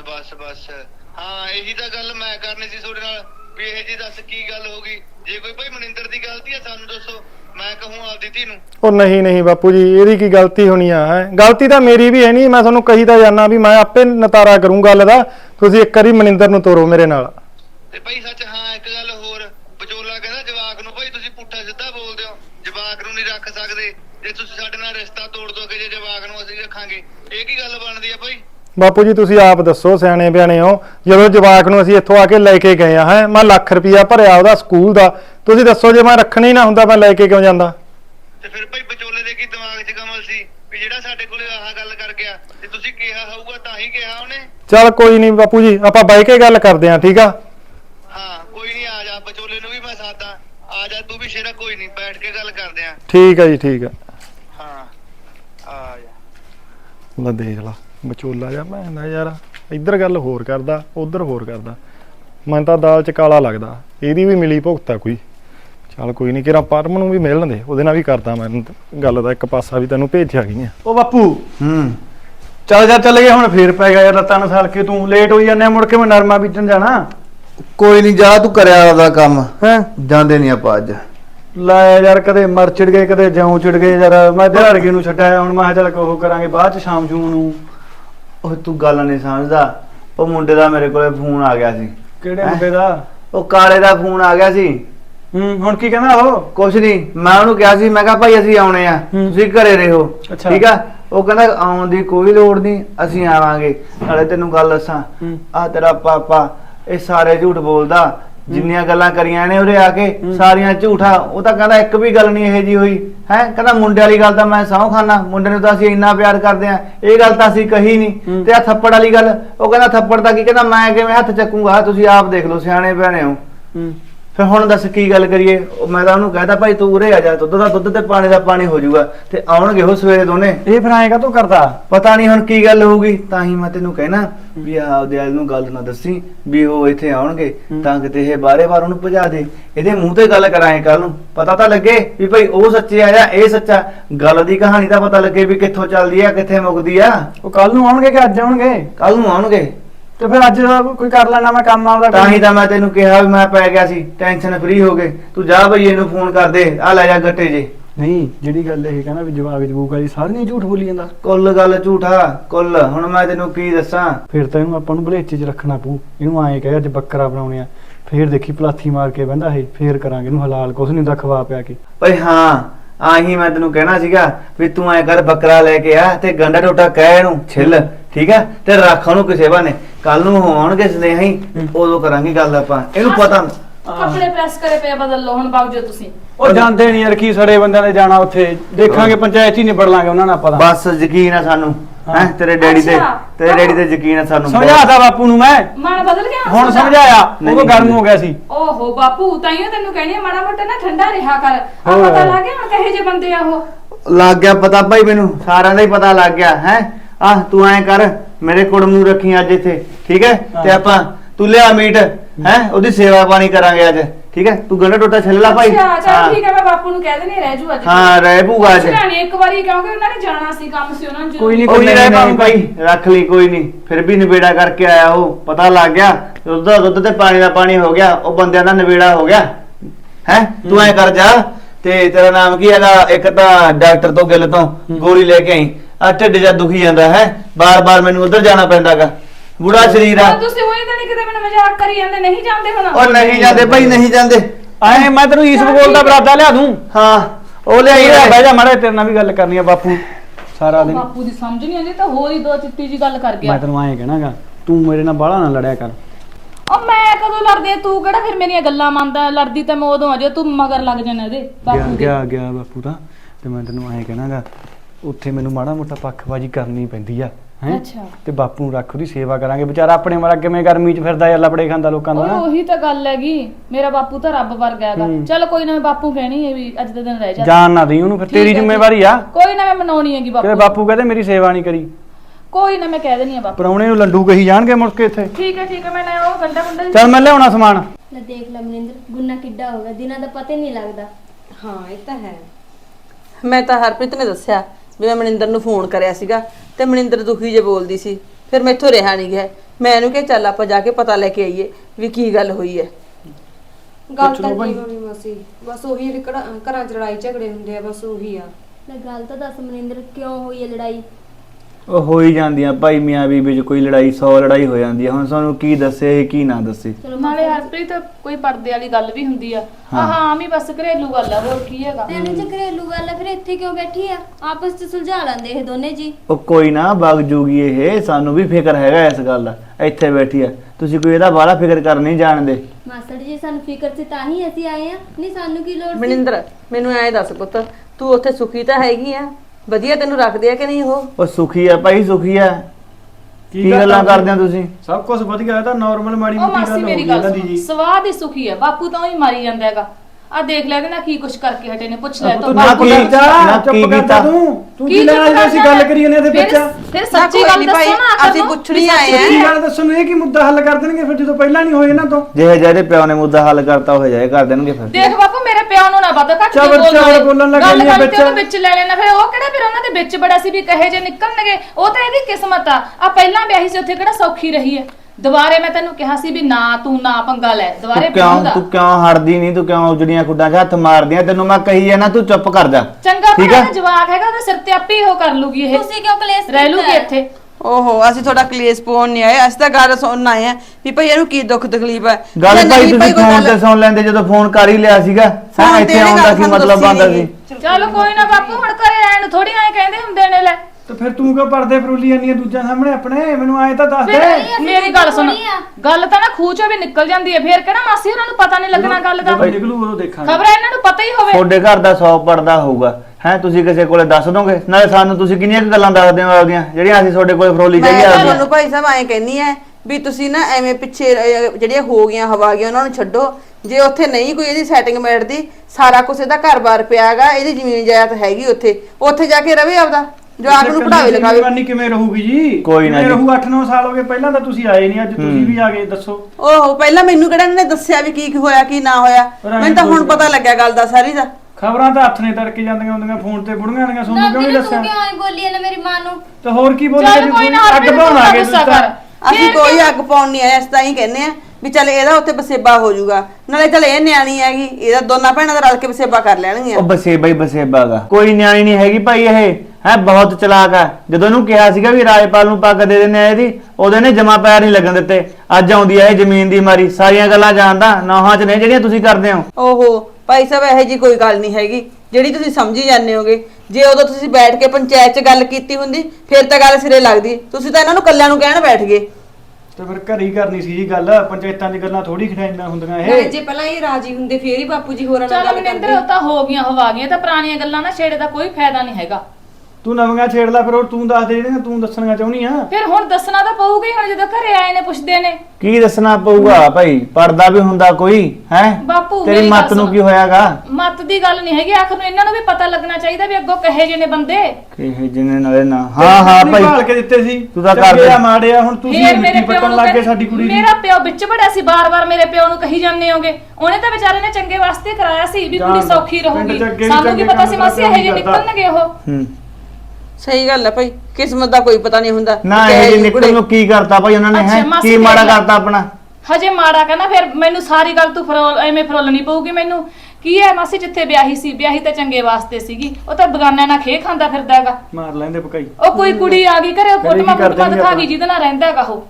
[SPEAKER 5] ਹਾਂ ਇਹੀ ਤਾਂ ਗੱਲ ਮੈਂ ਕਰਨੀ ਸੀ ਤੁਹਾਡੇ ਨਾਲ ਵੀ ਇਹ ਜੀ ਦੱਸ ਕੀ ਗੱਲ ਹੋ ਗਈ। ਜੇ ਕੋਈ ਭਾਈ ਮਨਿੰਦਰ ਦੀ ਗਲਤੀ ਆ ਸਾਨੂੰ ਦੱਸੋ, ਮੈਂ ਕਹੂੰ ਆਪਦੀ ਧੀ ਨੂੰ।
[SPEAKER 4] ਉਹ ਨਹੀਂ ਬਾਪੂ ਜੀ, ਇਹਦੀ ਕੀ ਗਲਤੀ ਹੋਣੀ ਆ ਹੈ? ਗਲਤੀ ਤਾਂ ਮੇਰੀ ਵੀ ਹੈ ਨਹੀਂ, ਮੈਂ ਤੁਹਾਨੂੰ ਕਹੀ ਤਾਂ ਜਾਨਾ ਵੀ ਮੈਂ ਆਪੇ ਨਤਾਰਾ ਕਰੂੰ ਗੱਲ ਦਾ, ਤੁਸੀਂ ਇੱਕ ਵਾਰੀ ਮਨਿੰਦਰ ਨੂੰ ਤੋਰੋ ਮੇਰੇ ਨਾਲ।
[SPEAKER 5] ਤੇ ਭਾਈ ਸੱਚ ਹਾਂ ਇੱਕ ਗੱਲ ਹੋਰ, ਵਿਚੋਲਾ ਕਹਿੰਦਾ ਜਵਾਕ ਨੂੰ ਭਾਈ ਤੁਸੀਂ ਪੁੱਠਾ ਸਿੱਧਾ ਬੋਲਦੇ ਹੋ, ਜਵਾਕ ਨੂੰ ਨਹੀਂ ਰੱਖ ਸਕਦੇ, ਜੇ ਤੁਸੀਂ ਸਾਡੇ ਨਾਲ ਰਿਸ਼ਤਾ ਤੋੜ ਦੋਗੇ ਜੇ ਜਵਾਕ ਨੂੰ ਅਸੀਂ ਰੱਖਾਂਗੇ, ਇਹ ਕੀ ਗੱਲ ਬਣਦੀ ਆ ਭਾਈ?
[SPEAKER 4] ਬਾਪੂ ਜੀ ਤੁਸੀਂ ਆਪ ਦੱਸੋ, ਸਿਆਣੇ ਬਿਆਣੇ ਹੋ, ਜਦੋਂ ਜਵਾਕ ਨੂੰ ਅਸੀਂ ਇੱਥੋਂ ਆ ਕੇ ਲੈ ਕੇ ਗਏ ਆ ਹੈ, ਮੈਂ ਲੱਖ ਰੁਪਇਆ ਭਰਿਆ ਉਹਦਾ ਸਕੂਲ ਦਾ, ਤੁਸੀਂ ਦੱਸੋ ਜੇ ਮੈਂ ਰੱਖਣਾ ਹੀ ਨਾ ਹੁੰਦਾ ਮੈਂ ਲੈ ਕੇ ਕਿਉਂ ਜਾਂਦਾ?
[SPEAKER 5] ਤੇ ਫਿਰ ਭਾਈ ਵਿਚੋਲੇ ਦੇ ਕੀ ਦਿਮਾਗ 'ਚ ਕਮਲ ਸੀ ਵੀ ਜਿਹੜਾ ਸਾਡੇ ਕੋਲੇ ਆਹ ਗੱਲ ਕਰ ਗਿਆ, ਤੇ ਤੁਸੀਂ ਕਿਹਾ ਹੋਊਗਾ ਤਾਂ ਹੀ ਕਿਹਾ ਉਹਨੇ।
[SPEAKER 4] ਚੱਲ ਕੋਈ ਨਹੀਂ ਬਾਪੂ ਜੀ, ਆਪਾਂ ਬਹਿ ਕੇ ਗੱਲ ਕਰਦੇ ਆਂ, ਠੀਕ ਆ?
[SPEAKER 5] ਹਾਂ ਕੋਈ ਨਹੀਂ, ਆ ਜਾ, ਵਿਚੋਲੇ ਨੂੰ ਵੀ ਮੈਂ ਸਾਦਾ, ਆ ਜਾ ਤੂੰ ਵੀ ਸ਼ੇਰਾ, ਕੋਈ ਨਹੀਂ ਬੈਠ ਕੇ ਗੱਲ ਕਰਦੇ ਆਂ।
[SPEAKER 4] ਠੀਕ ਆ ਜੀ, ਠੀਕ ਆ।
[SPEAKER 5] ਹਾਂ ਆ ਜਾ।
[SPEAKER 4] ਲੈ ਦੇਖ ਲਾ ਵਿਚੋਲਾ ਜਾ ਭੈਣਦਾ ਯਾਰ, ਇੱਧਰ ਗੱਲ ਹੋਰ ਕਰਦਾ ਉੱਧਰ ਹੋਰ ਕਰਦਾ, ਮੈਨੂੰ ਤਾਂ ਦਾਲ 'ਚ ਕਾਲਾ ਲੱਗਦਾ, ਇਹਦੀ ਵੀ ਮਿਲੀ ਭੁਗਤ ਆ ਕੋਈ। ਚੱਲ ਕੋਈ ਨਹੀਂ, ਕਿਰਾ ਪਰਮ ਨੂੰ ਵੀ ਮਿਲਣ ਦੇ, ਉਹਦੇ ਨਾਲ ਵੀ ਕਰਦਾ ਮੈਂ ਗੱਲ ਦਾ ਇੱਕ ਪਾਸਾ ਵੀ ਤੈਨੂੰ ਭੇਜਿਆ ਗਈਆਂ।
[SPEAKER 6] ਉਹ ਬਾਪੂ ਚੱਲ ਗਏ ਹੁਣ, ਫੇਰ ਪੈ ਗਿਆ ਯਾਰ ਲੱਤਾਂ ਨੂੰ ਸਾਲ ਕੇ, ਤੂੰ ਲੇਟ ਹੋਈ ਜਾਂਦੇ, ਮੁੜ ਕੇ ਮੈਂ ਨਰਮਾ ਬੀਜਣ ਜਾਣਾ।
[SPEAKER 7] ਕੋਈ ਨਹੀਂ, ਜਾ ਤੂੰ ਕਰਿਆ ਉਹਦਾ ਕੰਮ,
[SPEAKER 6] ਹੈ
[SPEAKER 7] ਜਾਂਦੇ ਨਹੀਂ ਆਪਾਂ ਅੱਜ।
[SPEAKER 6] ਲੈ ਯਾਰ, ਕਦੇ ਮਰ ਚਿੜ ਗਏ ਕਦੇ ਜਿਉਂ ਚਿੜ ਗਏ ਯਾਰ, ਮੈਂ ਦਿਹਾੜਗੇ ਨੂੰ ਛੱਡਿਆ, ਹੁਣ ਮੈਂ ਕਿਹਾ ਚੱਲ ਉਹ ਕਰਾਂਗੇ ਬਾਅਦ ਚ ਸ਼ਾਮ ਜੂ ਨੂੰ।
[SPEAKER 7] ਉਹ ਤੂੰ ਗੱਲ ਨਹੀਂ ਸਮਝਦਾ, ਉਹ ਮੁੰਡੇ ਦਾ ਮੇਰੇ ਕੋਲੇ ਫੋਨ ਆ ਗਿਆ ਸੀ।
[SPEAKER 6] ਕਿਹੜੇ ਮੁੰਡੇ ਦਾ?
[SPEAKER 7] ਉਹ ਕਾਲੇ ਦਾ ਫੋਨ ਆ ਗਿਆ ਸੀ।
[SPEAKER 6] ਹੁਣ ਕੀ ਕਹਿੰਦਾ ਉਹ?
[SPEAKER 7] ਕੁਛ ਨਹੀਂ, ਮੈਂ ਉਹਨੂੰ ਕਿਹਾ ਸੀ, ਮੈਂ ਕਿਹਾ ਭਾਈ ਅਸੀਂ ਆਉਣੇ ਆ, ਤੁਸੀਂ ਘਰੇ ਰਹੋ,
[SPEAKER 6] ਅੱਛਾ।
[SPEAKER 7] ਠੀਕ ਆ? ਉਹ ਕਹਿੰਦਾ ਆਉਣ ਦੀ ਕੋਈ ਲੋੜ ਨਹੀਂ, ਅਸੀਂ ਆਵਾਂਗੇ। ਨਾਲੇ ਤੈਨੂੰ ਗੱਲ ਦੱਸਾਂ, ਆ ਤੇਰਾ ਪਾਪਾ ਇਹ ਸਾਰੇ ਝੂਠ ਬੋਲਦਾ, ਜਿੰਨੀਆਂ ਗੱਲਾਂ ਕਰੀਆਂ ਨੇ ਉਰੇ ਆ ਕੇ ਸਾਰੀਆਂ ਝੂਠਾ। ਉਹ ਤਾਂ ਕਹਿੰਦਾ ਇੱਕ ਵੀ ਗੱਲ ਨਹੀਂ ਇਹੋ ਜੀ ਹੋਈ ਹੈ, ਕਹਿੰਦਾ ਮੁੰਡੇ ਵਾਲੀ ਗੱਲ ਤਾਂ ਮੈਂ ਸਹੁੰ ਖਾਨਾ, ਮੁੰਡੇ ਨੂੰ ਤਾਂ ਅਸੀਂ ਇੰਨਾ ਪਿਆਰ ਕਰਦੇ ਆ, ਇਹ ਗੱਲ ਤਾਂ ਅਸੀਂ ਕਹੀ ਨਹੀਂ। ਤੇ ਆ ਥੱਪੜ ਵਾਲੀ ਗੱਲ, ਉਹ ਕਹਿੰਦਾ ਥੱਪੜ ਦਾ ਕੀ, ਕਹਿੰਦਾ ਮੈਂ ਕਿਵੇਂ ਹੱਥ ਚੱਕੂਗਾ, ਤੁਸੀਂ ਆਪ ਦੇਖ ਲਓ, ਸਿਆਣੇ ਭੈਣੇ ਹੋ। ਫਿਰ ਹੁਣ ਦੱਸ ਕੀ ਗੱਲ ਕਰੀਏ? ਮੈਂ ਤਾਂ ਉਹਨੂੰ ਕਹਿਤਾ ਭਾਈ ਤੂੰ ਉਰੇ ਆ ਜਾ, ਦੁੱਧ ਦਾ ਦੁੱਧ ਤੇ ਪਾਣੀ ਦਾ ਪਾਣੀ ਹੋ ਜਾਊਗਾ, ਤੇ ਆਉਣਗੇ ਉਹ ਸਵੇਰੇ ਦੋਨੇ।
[SPEAKER 6] ਇਹ ਫਿਰ ਐਂ ਕਾਹਤੋਂ ਕਰਦਾ?
[SPEAKER 7] ਪਤਾ ਨਹੀਂ ਹੁਣ ਕੀ ਗੱਲ ਹੋਊਗੀ, ਤਾਂ ਹੀ ਮੈਂ ਤੈਨੂੰ ਕਹਿਣਾ ਵੀ ਆਪਦੇ ਆਲ ਨੂੰ ਗੱਲ ਨਾ ਦੱਸੀ ਵੀ ਉਹ ਇੱਥੇ ਆਉਣਗੇ, ਤਾਂ ਕਿਤੇ ਇਹ ਬਾਰੇ-ਬਾਰ ਉਹਨੂੰ ਭਜਾ ਦੇ, ਇਹਦੇ ਮੂੰਹ ਤੇ ਗੱਲ ਕਰਾਂਗੇ, ਕੱਲ ਨੂੰ ਪਤਾ ਤਾਂ ਲੱਗੇ ਵੀ ਭਾਈ ਉਹ ਸੱਚੇ ਆ ਜਾਂ ਇਹ ਸੱਚਾ, ਗੱਲ ਦੀ ਕਹਾਣੀ ਤਾਂ ਪਤਾ ਲੱਗੇ ਵੀ ਕਿੱਥੋਂ ਚੱਲਦੀ ਆ ਕਿੱਥੇ ਮੁੱਕਦੀ ਆ।
[SPEAKER 6] ਉਹ ਕੱਲ ਨੂੰ ਆਉਣਗੇ ਕਿ ਅੱਜ ਆਉਣਗੇ?
[SPEAKER 7] ਕੱਲ ਨੂੰ ਆਉਣਗੇ।
[SPEAKER 6] ਤੇ ਫਿਰ ਅੱਜ ਕੋਈ ਕਰ ਲੈਣਾ ਮੈਂ ਕੰਮ ਆਪਦਾ।
[SPEAKER 7] ਤਾਂ ਹੀ ਤਾਂ ਮੈਂ ਤੈਨੂੰ ਕਿਹਾ ਵੀ ਮੈਂ ਪੈ ਗਿਆ ਸੀ, ਟੈਨਸ਼ਨ ਫ੍ਰੀ ਹੋ ਗਏ, ਤੂੰ ਜਾ ਬਈ ਇਹਨੂੰ ਫੋਨ ਕਰ ਦੇ, ਆ ਲੈ ਜਾ ਗੱਟੇ ਜੇ।
[SPEAKER 6] ਨਹੀਂ, ਜਿਹੜੀ ਗੱਲ ਇਹ ਕਹਿੰਦਾ ਵੀ ਜਵਾਕ ਜਬੂਕ ਵਾਲੀ ਸਾਰੀਆਂ ਝੂਠ ਬੋਲੀ ਜਾਂਦਾ।
[SPEAKER 7] ਕੁੱਲ ਗੱਲ ਝੂਠਾ ਕੁੱਲ, ਹੁਣ ਮੈਂ ਤੈਨੂੰ ਕੀ ਦੱਸਾਂ।
[SPEAKER 6] ਫਿਰ ਤਾਂ ਇਹਨੂੰ ਆਪਾਂ ਨੂੰ ਭਲੇਚੇ 'ਚ ਰੱਖਣਾ ਪਊ, ਇਹਨੂੰ ਐਂ ਕਹੇ ਅੱਜ ਬੱਕਰਾ ਬਣਾਉਣੇ ਆ, ਫੇਰ ਦੇਖੀ ਪਲਾਥੀ ਮਾਰ ਕੇ ਬਹਿੰਦਾ ਇਹ, ਫੇਰ ਕਰਾਂਗੇ ਇਹਨੂੰ ਹਲਾਲ, ਕੁਛ ਨਹੀਂ ਹੁੰਦਾ ਖਵਾ ਪਿਆ ਕੇ।
[SPEAKER 7] ਭਾਈ ਹਾਂ, ਆਹੀ ਮੈਂ ਤੈਨੂੰ ਕਹਿਣਾ ਸੀਗਾ ਵੀ ਤੂੰ ਐ ਕਰ, ਬੱਕਰਾ ਲੈ ਕੇ ਆ ਤੇ ਗੰਡਾ ਟੋਟਾ ਕਹਿ ਇਹਨੂੰ ਛਿੱਲ, ਠੀਕ ਆ? ਤੇ ਰੱਖ ਉਹਨੂੰ ਕਿਸੇ ਬਹਾਨੇ, ਕੱਲ ਨੂੰ ਆਉਣਗੇ ਸੁਨੇਹਾ ਹੀ, ਉਦੋਂ ਕਰਾਂਗੇ ਗੱਲ ਆਪਾਂ। ਇਹਨੂੰ ਪਤਾ
[SPEAKER 8] ਕੱਪੜੇ ਪ੍ਰੈਸ ਕਰੇ ਪਏ ਆ, ਬਦਲ ਲਓ ਹੁਣ ਵਗ ਜਾਓ ਤੁਸੀਂ।
[SPEAKER 6] ਉਹ ਜਾਂਦੇ ਨਹੀਂ ਯਾਰ, ਕੀ ਸੜੇ ਬੰਦਿਆਂ ਨੇ ਜਾਣਾ ਉੱਥੇ, ਦੇਖਾਂਗੇ ਪੰਚਾਇਤ 'ਚ ਹੀ ਨਿਬੜ ਲਾਂਗੇ ਉਹਨਾਂ ਨਾਲ ਆਪਾਂ ਤਾਂ।
[SPEAKER 7] ਬਸ ਯਕੀਨ ਆ ਸਾਨੂੰ ਹੈ ਤੇਰੇ ਡੈਡੀ ਤੇ,
[SPEAKER 8] ਅੱਛਾ।
[SPEAKER 7] ਤੇਰੇ ਡੈਡੀ ਤੇ ਯਕੀਨ ਆ ਸਾਨੂੰ।
[SPEAKER 6] ਸਮਝਾਤਾ ਬਾਪੂ ਨੂੰ ਮੈਂ,
[SPEAKER 8] ਮਨ ਬਦਲ ਗਿਆ
[SPEAKER 6] ਹੁਣ
[SPEAKER 8] ਤੁਹਾਡਾ?
[SPEAKER 6] ਸਮਝਾਇਆ,
[SPEAKER 7] ਨਹੀਂ,
[SPEAKER 6] ਉਹ ਗਰਮ ਹੋ ਗਿਆ ਸੀ।
[SPEAKER 8] ਓਹੋ ਬਾਪੂ, ਤਾਈਓ ਤੈਨੂੰ ਕਹਿੰਦੀ ਆ ਮਾੜਾ ਮੋਟਾ ਨਾ ਠੰਡਾ ਰਿਹਾ ਕਰ। ਆ
[SPEAKER 6] ਹੋਰ।
[SPEAKER 8] ਪਤਾ ਲੱਗ ਗਿਆ ਹੁਣ ਕਹੇ ਜੇ ਬੰਦੇ ਆ ਉਹ।
[SPEAKER 7] ਲੱਗ ਗਿਆ ਪਤਾ ਭਾਈ, ਮੈਨੂੰ ਸਾਰਿਆਂ ਦਾ ਹੀ ਪਤਾ ਲੱਗ ਗਿਆ ਹੈ। ਆਹ ਤੂੰ ਐਂ ਕਰ, ਮੇਰੇ ਕੁੜਮ ਨੂੰ ਰੱਖੀ ਅੱਜ ਇੱਥੇ, ਠੀਕ ਹੈ? ਤੇ ਆਪਾਂ ਤੂੰ ਲਿਆ ਮੀਟ ਹੈ, ਉਹਦੀ ਸੇਵਾ ਪਾਣੀ ਕਰਾਂਗੇ ਅੱਜ, ਠੀਕ ਹੈ? ਤੂੰ ਗੰਢਾ ਟੋਟਾ ਛਿੱਲ ਲਾ ਭਾਈ।
[SPEAKER 8] ਅੱਛਾ ਚਲ ਠੀਕ ਹੈ, ਮੈਂ ਬਾਪੂ ਨੂੰ ਕਹਿ ਦੇਣੀ ਰਹਿ ਜੂ ਅੱਜ।
[SPEAKER 7] ਹਾਂ ਰਹਿ ਪੂਗਾ ਅੱਜ।
[SPEAKER 8] ਪੁੱਛਣਾ ਨੀ ਇੱਕ ਵਾਰੀ, ਕਿਉਂਕਿ ਉਹਨਾਂ ਨੇ ਜਾਣਾ ਸੀ, ਕੰਮ ਸੀ ਉਹਨਾਂ ਨੂੰ।
[SPEAKER 6] ਕੋਈ ਨੀ,
[SPEAKER 7] ਕੋਈ ਰਹਿ ਪਾਉਂ ਭਾਈ, ਰੱਖ ਲਈ ਕੋਈ ਨਹੀਂ। ਫਿਰ ਵੀ ਨਿਬੇੜਾ ਕਰਕੇ ਆਇਆ, ਉਹ ਪਤਾ ਲੱਗ ਗਿਆ, ਦੁੱਧ ਦਾ ਦੁੱਧ ਤੇ ਪਾਣੀ ਦਾ ਪਾਣੀ ਹੋ ਗਿਆ, ਉਹ ਬੰਦਿਆਂ ਦਾ ਨਿਬੇੜਾ ਹੋ ਗਿਆ ਹੈ। ਤੂੰ ਐ ਕਰ ਜਾ, ਤੇ ਤੇਰਾ ਨਾਮ ਕੀ ਹੈਗਾ? ਇੱਕ ਤਾਂ ਡਾਕਟਰ ਤੋਂ ਗਿੱਲ ਤੋਂ ਗੋਲੀ ਲੈ ਕੇ ਆਈ, ਆ ਢਿੱਡ ਜਾ ਦੁਖੀ ਜਾਂਦਾ ਹੈ, ਬਾਰ-ਬਾਰ ਮੈਨੂੰ ਉਧਰ ਜਾਣਾ ਪੈਂਦਾਗਾ, ਬੁੜਾ ਸਰੀਰ ਆ।
[SPEAKER 8] ਤੁਸੀਂ ਹੋਈ ਤਾਂ ਨਹੀਂ ਕਿਤੇ ਮੈਨੂੰ ਮਜ਼ਾਕ ਕਰੀ ਜਾਂਦੇ, ਨਹੀਂ ਜਾਂਦੇ ਹੁਣ?
[SPEAKER 7] ਉਹ ਨਹੀਂ ਜਾਂਦੇ ਭਾਈ, ਨਹੀਂ ਜਾਂਦੇ।
[SPEAKER 6] ਐ ਮੈਂ ਤੈਨੂੰ ਈਸ ਬਗੋਲ ਦਾ ਬਰਾਦਾ ਲਿਆ ਦੂੰ।
[SPEAKER 7] ਹਾਂ ਉਹ ਲਿਆਈ
[SPEAKER 6] ਬਹਿ ਜਾ ਮਾੜੇ, ਤੇਰੇ ਨਾਲ ਵੀ ਗੱਲ ਕਰਨੀ ਆ ਬਾਪੂ ਸਾਰਾ ਦਿਨ।
[SPEAKER 8] ਬਾਪੂ ਦੀ ਸਮਝ ਨਹੀਂ ਆਉਂਦੀ ਤਾਂ ਹੋਰ ਹੀ ਦੋ ਚਿੱਟੀ ਜੀ ਗੱਲ ਕਰ ਗਿਆ।
[SPEAKER 6] ਮੈਂ ਤੈਨੂੰ ਐਂ ਕਹਿਣਾਗਾ, ਤੂੰ ਮੇਰੇ ਨਾਲ ਬਾਹਲਾ ਨਾ ਲੜਿਆ ਕਰ।
[SPEAKER 8] ਉਹ ਮੈਂ ਕਦੋਂ ਲੜਦੀ ਆ? ਤੂੰ ਕਿਹੜਾ ਫਿਰ ਮੇਰੀਆਂ ਗੱਲਾਂ ਮੰਨਦਾ? ਲੜਦੀ ਤਾਂ ਮੈਂ ਉਦੋਂ ਆ ਜੇ ਤੂੰ ਮਗਰ ਲੱਗ ਜਾਣਾ ਇਹਦੇ ਬਾਪੂ ਦੇ।
[SPEAKER 6] ਗਿਆ ਬਾਪੂ ਤਾਂ, ਤੇ ਮੈਂ ਤੈਨੂੰ ਐਂ ਕਹਿਣਾਗਾ, ਉੱਥੇ ਮੈਨੂੰ ਮਾੜਾ ਮੋਟਾ ਪੱਖਬਾਜੀ ਕਰਨੀ ਪੈਂਦੀ ਆ ਹੈ।
[SPEAKER 8] ਅੱਛਾ।
[SPEAKER 6] ਤੇ ਬਾਪੂ ਨੂੰ ਰੱਖ, ਉਹਦੀ ਸੇਵਾ ਕਰਾਂਗੇ। ਵਿਚਾਰਾ ਆਪਣੇ ਮਰਾ ਕਿਵੇਂ ਗਰਮੀ 'ਚ ਫਿਰਦਾ ਯਾਰ, ਲਪੜੇ ਖਾਂਦਾ ਲੋਕਾਂ ਦਾ
[SPEAKER 8] ਓਏ
[SPEAKER 6] ਨਾ।
[SPEAKER 8] ਉਹੀ ਤਾਂ ਗੱਲ ਹੈਗੀ, ਮੇਰਾ ਬਾਪੂ ਤਾਂ ਰੱਬ ਵਰਗਾ ਹੈਗਾ। ਚੱਲ ਕੋਈ ਨਾ, ਮੈਂ ਬਾਪੂ ਕਹਿਣੀ ਹੈ ਵੀ ਅੱਜ ਦੇ ਦਿਨ ਰਹਿ ਜਾ।
[SPEAKER 6] ਜਾਨ ਨਾ ਦੇਈ ਉਹਨੂੰ, ਫਿਰ
[SPEAKER 8] ਠੀਕ
[SPEAKER 6] ਤੇਰੀ
[SPEAKER 8] ਹੈ,
[SPEAKER 6] ਜ਼ਿੰਮੇਵਾਰੀ ਆ।
[SPEAKER 8] ਕੋਈ ਨਾ, ਮੈਂ ਮਨਾਉਣੀ ਹੈਗੀ
[SPEAKER 6] ਤੇ
[SPEAKER 8] ਬਾਪੂ।
[SPEAKER 6] ਬਾਪੂ ਕਹਿੰਦੇ ਮੇਰੀ ਸੇਵਾ ਨਹੀਂ ਕਰੀ,
[SPEAKER 8] ਕੋਈ ਨਾ, ਮੈਂ ਕਹਿ ਦੇਣੀ ਆ ਬਾਪੂ।
[SPEAKER 6] ਪਰੌਣੇ ਨੂੰ ਲੰਡੂ ਕਹੀ ਜਾਣਗੇ ਮੁੜ ਕੇ ਇੱਥੇ।
[SPEAKER 8] ਠੀਕ ਹੈ ਮੈਂ ਨਾ ਉਹ ਗੰਡਾ ਗੁੰਡਾ
[SPEAKER 6] ਚੱਲ ਮੈਂ ਲਿਆਉਣਾ ਸਮਾਨ।
[SPEAKER 1] ਲੈ ਦੇਖ ਲੈ ਮਨਿੰਦਰ, ਗੁੰਨਾ ਕਿੱਡਾ ਹੋ ਗਿਆ, ਦਿਨਾਂ ਦਾ ਪਤਾ ਹੀ ਨਹੀਂ ਲੱਗਦਾ।
[SPEAKER 3] ਹਾਂ ਇਹ ਤਾਂ ਹੈ। ਮੈਂ ਤਾਂ ਹਰਪ੍ਰੀਤ ਨੇ ਦੱਸਿਆ ਵੀ ਮੈਂ ਮਨਿੰਦਰ ਨੂੰ ਫੋਨ ਕਰਿਆ ਸੀਗਾ, ਤੇ ਮਨਿੰਦਰ ਦੁਖੀ ਜੇ ਬੋਲਦੀ ਸੀ, ਫਿਰ ਮੈਥੋਂ ਰਿਹਾ ਨਹੀਂ ਗਿਆ। ਮੈਂ ਇਹਨੂੰ ਕਿਹਾ ਚੱਲ ਆਪਾਂ ਜਾ ਕੇ ਪਤਾ ਲੈ ਕੇ ਆਈਏ ਵੀ ਕੀ ਗੱਲ ਹੋਈ ਹੈ। ਗੱਲ ਤਾਂ ਕੀ ਹੋਣੀ ਮਾਸੀ, ਬਸ ਉਹੀ ਜਿਹੜੇ ਘਰਾਂ 'ਚ ਲੜਾਈ ਝਗੜੇ ਹੁੰਦੇ ਆ, ਬਸ ਉਹੀ ਆ।
[SPEAKER 1] ਲੈ ਗੱਲ ਤਾਂ ਦੱਸ ਮਨਿੰਦਰ, ਕਿਉਂ ਹੋਈ ਹੈ ਲੜਾਈ?
[SPEAKER 7] ਉਹ ਹੋ ਹੀ ਜਾਂਦੀਆਂ ਭਾਈ, ਮੀਆਂ ਬੀਬੀ 'ਚ ਕੋਈ ਲੜਾਈ 100 ਲੜਾਈ ਹੋ ਜਾਂਦੀ ਹੈ। ਹੁਣ ਸਾਨੂੰ ਕੀ ਦੱਸੇ ਕੀ ਨਾ ਦੱਸੇ।
[SPEAKER 1] ਚਲੋ
[SPEAKER 8] ਨਾਲੇ ਹਰਪ੍ਰੀਤ ਕੋਈ ਪਰਦੇ ਵਾਲੀ ਗੱਲ ਵੀ ਹੁੰਦੀ ਆ। ਹਾਂ ਵੀ ਬਸ ਘਰੇਲੂ ਗੱਲ ਆ, ਹੋਰ ਕੀ ਹੈਗਾ।
[SPEAKER 1] ਤੈਨੂੰ ਜੇ ਘਰੇਲੂ ਗੱਲ ਆ ਫਿਰ ਇੱਥੇ ਕਿਉਂ ਬੈਠੀ ਆ? ਆਪਸ 'ਚ ਸੁਲਝਾ ਲੈਂਦੇ ਇਹ ਦੋਨੇ ਜੀ।
[SPEAKER 7] ਉਹ ਕੋਈ ਨਾ ਵਗ ਜੂਗੀ ਇਹ, ਸਾਨੂੰ ਵੀ ਫਿਕਰ ਹੈਗਾ ਇਸ ਗੱਲ ਦਾ। ਇੱਥੇ ਬੈਠੀ ਆ, ਤੁਸੀਂ ਕੋਈ ਇਹਦਾ ਬਾਹਲਾ ਫਿਕਰ ਕਰ ਨਹੀਂ ਜਾਣਦੇ।
[SPEAKER 1] ਮਾਸੜ ਜੀ ਸਾਨੂੰ ਫਿਕਰ ਸੀ ਤਾਂ ਹੀ ਅਸੀਂ ਆਏ ਆ, ਨਹੀਂ ਸਾਨੂੰ ਕੀ ਲੋੜ ਸੀ?
[SPEAKER 3] ਮਨਿੰਦਰ ਮੈਨੂੰ ਐਂ ਦੱਸ ਪੁੱਤ, ਤੂੰ ਉੱਥੇ ਸੁਖੀ ਤਾਂ ਹੈਗੀ ਆ? ਵਧੀਆ ਤੈਨੂੰ ਰੱਖਦੇ ਆ ਕਿ ਨਹੀਂ ਉਹ
[SPEAKER 7] ਸੁਖੀ ਆ ਭਾਈ, ਸੁਖੀ ਆ। ਕੀ ਗੱਲਾਂ ਕਰਦੇ ਹੋ ਤੁਸੀਂ?
[SPEAKER 6] ਸਭ ਕੁਝ ਵਧੀਆ, ਇਹ ਤਾਂ ਨਾਰਮਲ ਮਾੜੀ
[SPEAKER 8] ਉਹ
[SPEAKER 6] ਮੋਟੀ
[SPEAKER 8] ਮਾਸੀ
[SPEAKER 6] ਗੱਲ ਹੋ
[SPEAKER 8] ਮੇਰੀ
[SPEAKER 6] ਗਈ
[SPEAKER 8] ਗੱਲ
[SPEAKER 6] ਇਹਨਾਂ ਦੀ ਜੀ।
[SPEAKER 8] ਸੁਣ, ਸਵਾਦ ਹੀ ਸੁਖੀ ਆ। ਬਾਪੂ ਤਾਂ ਉਹੀ ਮਾਰੀ ਜਾਂਦਾ ਹੈਗਾ। ਆ ਦੇਖ ਲੈ ਇਹਦੇ ਨਾਲ ਕੀ ਕੁਛ ਕਰਕੇ ਹਟੇ ਨੇ, ਪੁੱਛ ਲੈ
[SPEAKER 6] ਤੂੰ
[SPEAKER 8] ਤੂੰ
[SPEAKER 6] ਨਾ
[SPEAKER 8] ਬਾਪੂ
[SPEAKER 7] ਕੀ-
[SPEAKER 8] ਦਾ।
[SPEAKER 7] ਨਾ
[SPEAKER 6] ਚੁੱਪ
[SPEAKER 7] ਕੀ
[SPEAKER 6] ਕਰਦਾ
[SPEAKER 7] ਕੀਤਾ?
[SPEAKER 6] ਤੂੰ
[SPEAKER 8] ਕੀ
[SPEAKER 6] ਕੀ ਲੈਣਾ
[SPEAKER 8] ਚੁੱਪ
[SPEAKER 6] ਅਸੀਂ
[SPEAKER 8] ਕਰਦਾ?
[SPEAKER 6] ਗੱਲ ਕਰੀ ਜਾਂਦੇ ਇਹਦੇ ਵਿੱਚ।
[SPEAKER 8] ਫਿਰ ਸੱਚੀ ਗੱਲ ਦੱਸੋ ਨਾ,
[SPEAKER 3] ਅਸੀਂ ਪੁੱਛਣੀ ਆਏ ਆ।
[SPEAKER 6] ਸੱਚੀ ਗੱਲ ਦੱਸੋ ਨੂੰ, ਇਹ ਕੀ ਮੁੱਦਾ ਹੱਲ ਕਰ ਦੇਣਗੇ ਫਿਰ ਜਦੋਂ ਪਹਿਲਾਂ ਨਹੀਂ ਹੋਏ ਇਹਨਾਂ ਤੋਂ।
[SPEAKER 7] ਜਿਹੇ ਜਿਹਦੇ ਪਿਓ ਨੇ ਮੁੱਦਾ ਹੱਲ ਕਰਤਾ ਹੋ ਜਾਏ, ਕਰ ਦੇਣਗੇ ਫਿਰ।
[SPEAKER 8] ਦੇਖ ਬਾਪੂ, ਮੇਰੇ ਪਿਓ ਨੂੰ ਨਾ ਵੱਧ ਘੱਟ
[SPEAKER 6] ਚਵਰ
[SPEAKER 8] ਬੋਲ
[SPEAKER 6] ਚਵਰ ਬੋਲਣ ਲੱਗ
[SPEAKER 8] ਗੱਲ
[SPEAKER 6] ਜਾਂਦੀ ਆ
[SPEAKER 8] ਕਰਕੇ ਉਹਨੂੰ
[SPEAKER 6] ਵਿੱਚ।
[SPEAKER 8] ਵਿੱਚ ਲੈ ਲੈਣਾ। ਫਿਰ ਉਹ ਕਿਹੜਾ ਫਿਰ ਉਹਨਾਂ ਦੇ ਵਿੱਚ ਬੜਾ ਸੀ ਵੀ ਕਹੇ ਜੇ ਨਿਕਲਣਗੇ? ਉਹ ਤਾਂ ਇਹਦੀ ਕਿਸਮਤ ਆ ਪਹਿਲਾਂ ਵਿਆਹੀ ਸੀ, ਉੱਥੇ ਕਿਹੜਾ ਸੌਖੀ ਰਹੀ ਹੈ। ਦੁਬਾਰੇ ਮੈਂ ਤੈਨੂੰ ਕਿਹਾ ਸੀ ਵੀ ਨਾ ਤੂੰ ਨਾ ਪੰਗਾ ਲੈ, ਦੁਬਾਰੇ
[SPEAKER 7] ਤੂੰ ਕਿਉਂ ਹਟਦੀ ਨਹੀਂ? ਤੂੰ ਕਿਉਂ ਉਜੜੀਆਂ ਖੁੱਡਾਂ 'ਚ ਹੱਥ ਮਾਰਦੀਆਂ? ਤੈਨੂੰ ਮੈਂ ਕਹੀ ਹੈ ਨਾ, ਤੂੰ ਚੁੱਪ ਕਰ ਜਾ।
[SPEAKER 8] ਚੰਗਾ
[SPEAKER 7] ਠੀਕ
[SPEAKER 8] ਭਰਾ
[SPEAKER 7] ਹੈ?
[SPEAKER 8] ਜਵਾਕ ਹੈਗਾ, ਉਹਦੇ ਸਿਰ ਤੇ ਆਪੇ ਉਹ ਕਰ ਲੂਗੀ ਇਹ।
[SPEAKER 1] ਤੁਸੀਂ ਕਿਉਂ ਕਲੇਸ਼
[SPEAKER 8] ਰਹਿ ਲੂਗੀ
[SPEAKER 1] ਕੀਤਾ?
[SPEAKER 8] ਇੱਥੇ।
[SPEAKER 3] ਓਹੋ ਅਸੀਂ ਤੁਹਾਡਾ ਕਲੇਸ਼ ਪਾਉਣ ਨਹੀਂ ਆਏ, ਅਸੀਂ ਤਾਂ ਗੱਲ ਸੁਣਨ ਆਏ ਆ ਵੀ ਭਾਈ ਇਹਨੂੰ ਕੀ ਦੁੱਖ ਤਕਲੀਫ ਹੈ।
[SPEAKER 7] ਗੱਲ
[SPEAKER 3] ਜੇ
[SPEAKER 7] ਭਾਈ
[SPEAKER 3] ਨਹੀਂ
[SPEAKER 7] ਤੁਸੀਂ
[SPEAKER 3] ਕੋਈ
[SPEAKER 7] ਫੋਨ
[SPEAKER 3] ਗੱਲ-
[SPEAKER 7] ਤੇ ਸੁਣ ਲੈਂਦੇ, ਜਦੋਂ ਫੋਨ ਕਰ ਹੀ ਲਿਆ ਸੀਗਾ।
[SPEAKER 3] ਫੋਨ
[SPEAKER 7] ਇੱਥੇ
[SPEAKER 3] ਤੇ
[SPEAKER 7] ਆਉਣ ਦਾ
[SPEAKER 3] ਗੱਲ
[SPEAKER 7] ਕੀ
[SPEAKER 3] ਸਾਨੂੰ
[SPEAKER 7] ਮਤਲਬ
[SPEAKER 3] ਦੱਸੀ
[SPEAKER 7] ਬਣਦਾ
[SPEAKER 3] ਨੀ।
[SPEAKER 7] ਸੀ?
[SPEAKER 8] ਚਲੋ ਕੋਈ ਨਾ ਬਾਪੂ, ਹੁਣ ਘਰੇ ਆਣ ਨੂੰ ਥੋੜੀ ਐ ਕਹਿੰਦੇ ਹੁੰਦੇ ਨੇ। ਲੈ
[SPEAKER 6] ਤੇ ਫਿਰ ਤੂੰ ਕਿਉਂ ਪਰਦੇ ਫਰੂਲੀ ਜਾਂਦੀ ਆ ਦੂਜਿਆਂ ਸਾਹਮਣੇ ਆਪਣੇ? ਮੈਨੂੰ ਐਂ ਤਾਂ ਦੱਸ ਦੇ।
[SPEAKER 8] ਮੇਰੀ ਗੱਲ ਸੁਣ, ਗੱਲ ਤਾਂ ਨਾ ਖੂਹ ਚੋਂ ਵੀ ਨਿਕਲ ਜਾਂਦੀ ਹੈ। ਫੇਰ ਕਿਹੜਾ ਮਾਸੀ ਉਹਨਾਂ ਨੂੰ ਪਤਾ ਨਹੀਂ ਲੱਗਣਾ ਗੱਲ ਦਾ?
[SPEAKER 6] ਜਦੋਂ ਨਿਕਲੂ ਉਦੋਂ ਦੇਖਾਂਗੇ।
[SPEAKER 8] ਖਬਰ ਇਹਨਾਂ ਨੂੰ ਪਤਾ ਹੀ ਹੋਵੇ।
[SPEAKER 7] ਤੁਹਾਡੇ ਘਰ ਦਾ 100 ਪਰਦਾ ਹੋਊਗਾ ਹੈ, ਤੁਸੀਂ ਕਿਸੇ ਕੋਲੇ ਦੱਸ ਦੋਗੇ? ਨਾਲੇ ਸਾਨੂੰ ਤੁਸੀਂ ਕਿੰਨੀਆਂ ਕੁ ਗੱਲਾਂ ਦੱਸਦੇ ਹੋ ਆਪਦੀਆਂ, ਜਿਹੜੀਆਂ ਅਸੀਂ ਤੁਹਾਡੇ ਕੋਲੇ ਫਰੋਲੀ
[SPEAKER 3] ਮੈਂ
[SPEAKER 7] ਜਾਈਏ
[SPEAKER 3] ਤਾਂ
[SPEAKER 7] ਆਪਦੀਆਂ?
[SPEAKER 3] ਤੁਹਾਨੂੰ ਭਾਈ ਸਾਹਿਬ ਐਂ ਕਹਿੰਨੀ ਐ ਵੀ ਤੁਸੀਂ ਨਾ ਐਵੇਂ ਪਿੱਛੇ ਜਿਹੜੀਆਂ ਹੋ ਗਈਆਂ ਹਵਾ ਗਈਆਂ ਉਹਨਾਂ ਨੂੰ ਛੱਡੋ। ਜੇ ਉੱਥੇ ਨਹੀਂ ਕੋਈ ਇਹਦੀ ਸੈਟਿੰਗ ਮੈਟਦੀ, ਸਾਰਾ ਕੁਝ ਇਹਦਾ ਘਰ-ਬਾਰ ਪਿਆਗਾ, ਇਹਦੀ ਜ਼ਮੀਨ ਜਾਇਦਾਦ ਹੈਗੀ, ਉੱਥੇ ਜਾ ਕੇ ਰਵੇ ਆਪਦਾ, ਜਵਾਕ ਨੂੰ ਪੜਾਵੇ ਲਿਖਾਵੇ।
[SPEAKER 6] ਜ਼ਮੀਨ ਕਿਵੇਂ ਰਹੂਗੀ ਜੀ?
[SPEAKER 7] ਕੋਈ ਨਾ ਜੀ।
[SPEAKER 6] ਰਹੂ 8-9 ਸਾਲ ਹੋ ਗਏ, ਪਹਿਲਾਂ ਤਾਂ ਤੁਸੀਂ ਆਏ ਨਹੀਂ, ਅੱਜ ਤੁਸੀਂ ਵੀ ਆ ਗਏ, ਦੱਸੋ।
[SPEAKER 3] ਓਹੋ ਪਹਿਲਾਂ ਮੈਨੂੰ ਕਿਹੜਾ ਇਹਨੇ ਦੱਸਿਆ ਵੀ ਕੀ ਹੋਇਆ ਕੀ ਨਾ ਹੋਇਆ? ਮੈਨੂੰ ਤਾਂ ਹੁਣ ਪਤਾ ਲੱਗਿਆ ਗੱਲ ਦਾ ਸਾਰੀ ਦਾ।
[SPEAKER 6] ਖਬਰਾਂ ਤਾਂ ਹੱਥ ਨੇ ਤੜਕੇ ਜਾਂਦੀਆਂ ਹੁੰਦੀਆਂ ਫੋਨ ਤੇ, ਬੁੜੀਆਂ ਦੀਆਂ
[SPEAKER 1] ਨਾ
[SPEAKER 6] ਤੁਹਾਨੂੰ ਕਿਉਂ ਨਹੀਂ
[SPEAKER 1] ਵੀਰੇ,
[SPEAKER 6] ਦੱਸਿਆ?
[SPEAKER 1] ਤੂੰ ਕਿਉਂ ਐਂ ਬੋਲੀ ਨਾ ਮੇਰੀ ਮਾਂ ਨੂੰ?
[SPEAKER 6] ਤੇ ਹੋਰ ਕੀ ਬੋਲੇ?
[SPEAKER 8] ਚੱਲ ਕੋਈ ਨਾ,
[SPEAKER 6] ਅੱਗ ਪਾਉਣ ਆ ਗਏ
[SPEAKER 8] ਗੁੱਸਾ
[SPEAKER 6] ਤੁਸੀਂ
[SPEAKER 8] ਕਰ।
[SPEAKER 6] ਤਾਂ।
[SPEAKER 3] ਅਸੀਂ ਕੋਈ ਅੱਗ ਪਾਉਣ ਨਹੀਂ ਆਏ, ਅਸੀਂ ਤਾਂ ਹੀ ਕਹਿੰਦੇ ਆ ਵੀ ਚੱਲ ਇਹਦਾ ਉੱਥੇ ਬਸੇਬਾ ਹੋ ਜਾਊਗਾ, ਨਾਲੇ ਚੱਲ ਇਹ ਨਿਆਣੀ ਹੈਗੀ, ਇਹਦਾ ਦੋਨਾਂ ਭੈਣਾਂ ਦਾ ਰਲ ਕੇ ਬਸੇਬਾ ਕਰ ਲੈਣਗੀਆਂ।
[SPEAKER 7] ਉਹ ਬਸੇਬਾ ਹੀ ਬਸੇਬਾ ਗਾ, ਕੋਈ ਨਿਆਣੀ ਨਹੀਂ ਹੈਗੀ ਭਾਈ। ਇਹ ਹੈ ਬਹੁਤ ਚਲਾਕ ਆ। ਜਦੋਂ ਇਹਨੂੰ ਕਿਹਾ ਸੀਗਾ ਵੀ ਰਾਜਪਾਲ ਨੂੰ ਪੱਗ ਦੇ ਦਿੰਦੇ ਆ ਇਹਦੀ, ਉਹਦੇ ਨੇ ਜਮਾ ਪੈਰ ਨਹੀਂ ਲੱਗਣ ਦਿੱਤੇ। ਅੱਜ ਆਉਂਦੀ ਆ ਇਹ ਜ਼ਮੀਨ ਦੀ ਮਾਰੀ, ਸਾਰੀਆਂ ਗੱਲਾਂ ਜਾਣਦਾ ਨੌਹਾਂ 'ਚ ਨੇ ਜਿਹੜੀਆਂ ਤੁਸੀਂ ਕਰਦੇ ਹੋ।
[SPEAKER 3] ਓਹੋ ਭਾਈ ਸਾਹਿਬ ਇਹੋ ਜੀ ਕੋਈ ਗੱਲ ਨਹੀਂ ਹੈਗੀ ਜਿਹੜੀ ਤੁਸੀਂ ਸਮਝੀ ਜਾਂਦੇ ਹੋਗੇ। ਜੇ ਉਦੋਂ ਤੁਸੀਂ ਬੈਠ ਕੇ ਪੰਚਾਇਤ 'ਚ ਗੱਲ ਕੀਤੀ ਹੁੰਦੀ ਫਿਰ ਤਾਂ ਗੱਲ ਸਿਰੇ ਲੱਗਦੀ। ਤੁਸੀਂ ਤਾਂ ਇਹਨਾਂ ਨੂੰ ਕੱਲਿਆਂ ਨੂੰ ਕਹਿਣ ਬੈਠ ਗਏ।
[SPEAKER 6] ਤੇ ਫਿਰ ਘਰੇ ਹੀ ਕਰਨੀ ਸੀ ਜੀ ਗੱਲ, ਪੰਚਾਇਤਾਂ 'ਚ ਗੱਲਾਂ ਥੋੜੀ ਖਿਡਾਈਆਂ ਹੁੰਦੀਆਂ
[SPEAKER 3] ਨਾਲੇ
[SPEAKER 6] ਇਹ।
[SPEAKER 3] ਜੇ ਪਹਿਲਾਂ ਇਹ ਰਾਜੀ ਹੁੰਦੇ ਫੇਰ ਹੀ ਬਾਪੂ ਜੀ ਹੋਰਾਂ ਨਾਲ
[SPEAKER 8] ਚੱਲ
[SPEAKER 3] ਗੱਲ
[SPEAKER 8] ਮਨਿੰਦਰ
[SPEAKER 3] ਕਰਦੇ।
[SPEAKER 8] ਉਹ ਤਾਂ ਹੋ ਗਈਆਂ ਹਵਾ ਗਈਆਂ, ਤਾਂ ਪੁਰਾਣੀਆਂ ਗੱਲਾਂ ਨਾ ਛੇੜੇ ਦਾ ਕੋਈ ਫਾਇਦਾ ਨਹੀਂ ਹੈਗਾ।
[SPEAKER 6] ਤੂੰ ਨਵੀਆਂ ਛੇੜ ਲੈ, ਫਿਰ ਉਹ ਤੂੰ ਦੱਸ ਦੇ ਜਿਹੜੀਆਂ ਤੂੰ ਦੱਸਣੀਆਂ ਚਾਹੁੰਦੀ ਆ।
[SPEAKER 8] ਫਿਰ ਹੁਣ ਦੱਸਣਾ ਤਾਂ ਪਊਗਾ ਹੀ, ਹੁਣ ਜਦੋਂ ਘਰੇ ਆਏ ਨੇ ਪੁੱਛਦੇ ਨੇ।
[SPEAKER 7] ਕੀ ਦੱਸਣਾ ਪਊਗਾ ਭਾਈ, ਪਰਦਾ ਵੀ ਹੁੰਦਾ ਕੋਈ ਹੈ।
[SPEAKER 8] ਬਾਪੂ
[SPEAKER 7] ਤੇਰੀ
[SPEAKER 8] ਮੇਰੀ
[SPEAKER 7] ਮੱਤ
[SPEAKER 8] ਗੱਲ
[SPEAKER 7] ਨੂੰ
[SPEAKER 8] ਸੁਣ।
[SPEAKER 7] ਕੀ ਹੋਇਆਗਾ?
[SPEAKER 8] ਮੱਤ ਦੀ ਗੱਲ ਨਹੀਂ ਹੈਗੀ, ਆਖਰ ਨੂੰ ਇਹਨਾਂ ਨੂੰ ਵੀ ਪਤਾ ਲੱਗਣਾ ਚਾਹੀਦਾ ਵੀ ਅੱਗੋਂ ਕਹੇ ਜੇ ਨੇ ਬੰਦੇ।
[SPEAKER 7] ਕਿਹੇ ਜਿਹਨੇ ਨਾਲੇ ਨਾ ਹਾਂ
[SPEAKER 6] ਭਾਈ
[SPEAKER 7] ਭਾਈ
[SPEAKER 6] ਭਾਲ ਕੇ ਦਿੱਤੇ ਸੀ,
[SPEAKER 7] ਤੂੰ ਤਾਂ
[SPEAKER 6] ਚੰਗੇ
[SPEAKER 7] ਕਰ ਦੇ।
[SPEAKER 6] ਆ ਮਾੜੇ ਆ, ਹੁਣ ਤੁਸੀਂ
[SPEAKER 8] ਫੇਰ
[SPEAKER 6] ਮਿੱਟੀ ਪੱਟਣ ਲੱਗ ਗਏ ਸਾਡੀ ਕੁੜੀ ਦੀ।
[SPEAKER 8] ਮੇਰਾ ਪਿਓ ਵਿੱਚ ਵੜਿਆ ਸੀ, ਬਾਰ-ਬਾਰ ਮੇਰੇ ਪਿਓ ਨੂੰ ਕਹੀ ਜਾਂਦੇ ਹੋਗੇ। ਉਹਨੇ ਤਾਂ ਵਿਚਾਰੇ ਨੇ ਚੰਗੇ ਵਾਸਤੇ ਕਰਾਇਆ ਸੀ ਵੀ ਕੁੜੀ
[SPEAKER 6] ਜਾਣ
[SPEAKER 8] ਸੌਖੀ
[SPEAKER 6] ਪਿੰਡ
[SPEAKER 8] ਰਹੂਗੀ।
[SPEAKER 6] ਚ ਅੱਗੇ ਵੀ
[SPEAKER 8] ਸਾਨੂੰ ਕੀ
[SPEAKER 6] ਚੰਗੇ
[SPEAKER 8] ਪਤਾ ਸੀ
[SPEAKER 6] ਕੰਮ
[SPEAKER 8] ਮਾਸੀ ਇਹੋ ਜਿਹੇ
[SPEAKER 6] ਕਰਦਾ।
[SPEAKER 8] ਨਿਕਲਣਗੇ ਉਹ।
[SPEAKER 7] ਹੂੰ
[SPEAKER 3] ਸਹੀ ਗੱਲ ਹੈ ਭਾਈ, ਕਿਸਮਤ ਦਾ ਕੋਈ ਪਤਾ ਨਹੀਂ ਹੁੰਦਾ।
[SPEAKER 7] ਨਾ ਇਹ ਜੀ ਨਿਕਲ ਨੂੰ ਕੀ ਕਰਤਾ ਭਾਈ ਉਹਨਾਂ ਨੇ
[SPEAKER 8] ਅੱਛਾ,
[SPEAKER 7] ਹੈ,
[SPEAKER 8] ਮਾਸੀ
[SPEAKER 7] ਕੀ ਮਾੜਾ
[SPEAKER 8] ਦੇਖ ਲੈ।
[SPEAKER 7] ਕਰਤਾ ਆਪਣਾ?
[SPEAKER 8] ਹਜੇ ਮਾੜਾ ਕਹਿੰਦਾ, ਫਿਰ ਮੈਨੂੰ ਸਾਰੀ ਗੱਲ ਤੂੰ ਐਵੇਂ ਫਰੋਲਣੀ ਪਊਗੀ ਮੈਨੂੰ। ਕੀ ਹੈ ਮਾਸੀ, ਜਿੱਥੇ ਵਿਆਹੀ ਸੀ, ਵਿਆਹੀ ਤਾਂ ਚੰਗੇ ਵਾਸਤੇ ਸੀਗੀ, ਉਹ ਤਾਂ ਬਗਾਨਿਆਂ ਨਾਲ ਖੇ ਖਾਂਦਾ ਫਿਰਦਾ ਹੈਗਾ।
[SPEAKER 6] ਮਾਰ ਲੈਂਦੇ ਪਕਾਈ।
[SPEAKER 8] ਉਹ ਕੋਈ ਕੁੜੀ ਆ ਗਈ ਘਰੇ, ਉਹ
[SPEAKER 6] ਘਰੇ ਕੀ
[SPEAKER 8] ਫੋਟੋਆਂ
[SPEAKER 6] ਕਰਦੇ ਨੇ
[SPEAKER 8] ਦਿਖਾ
[SPEAKER 6] ਆਪਾਂ?
[SPEAKER 8] ਗਈ ਜਿਹਦੇ ਨਾਲ ਰਹਿੰਦਾ ਹੈਗਾ ਉਹ।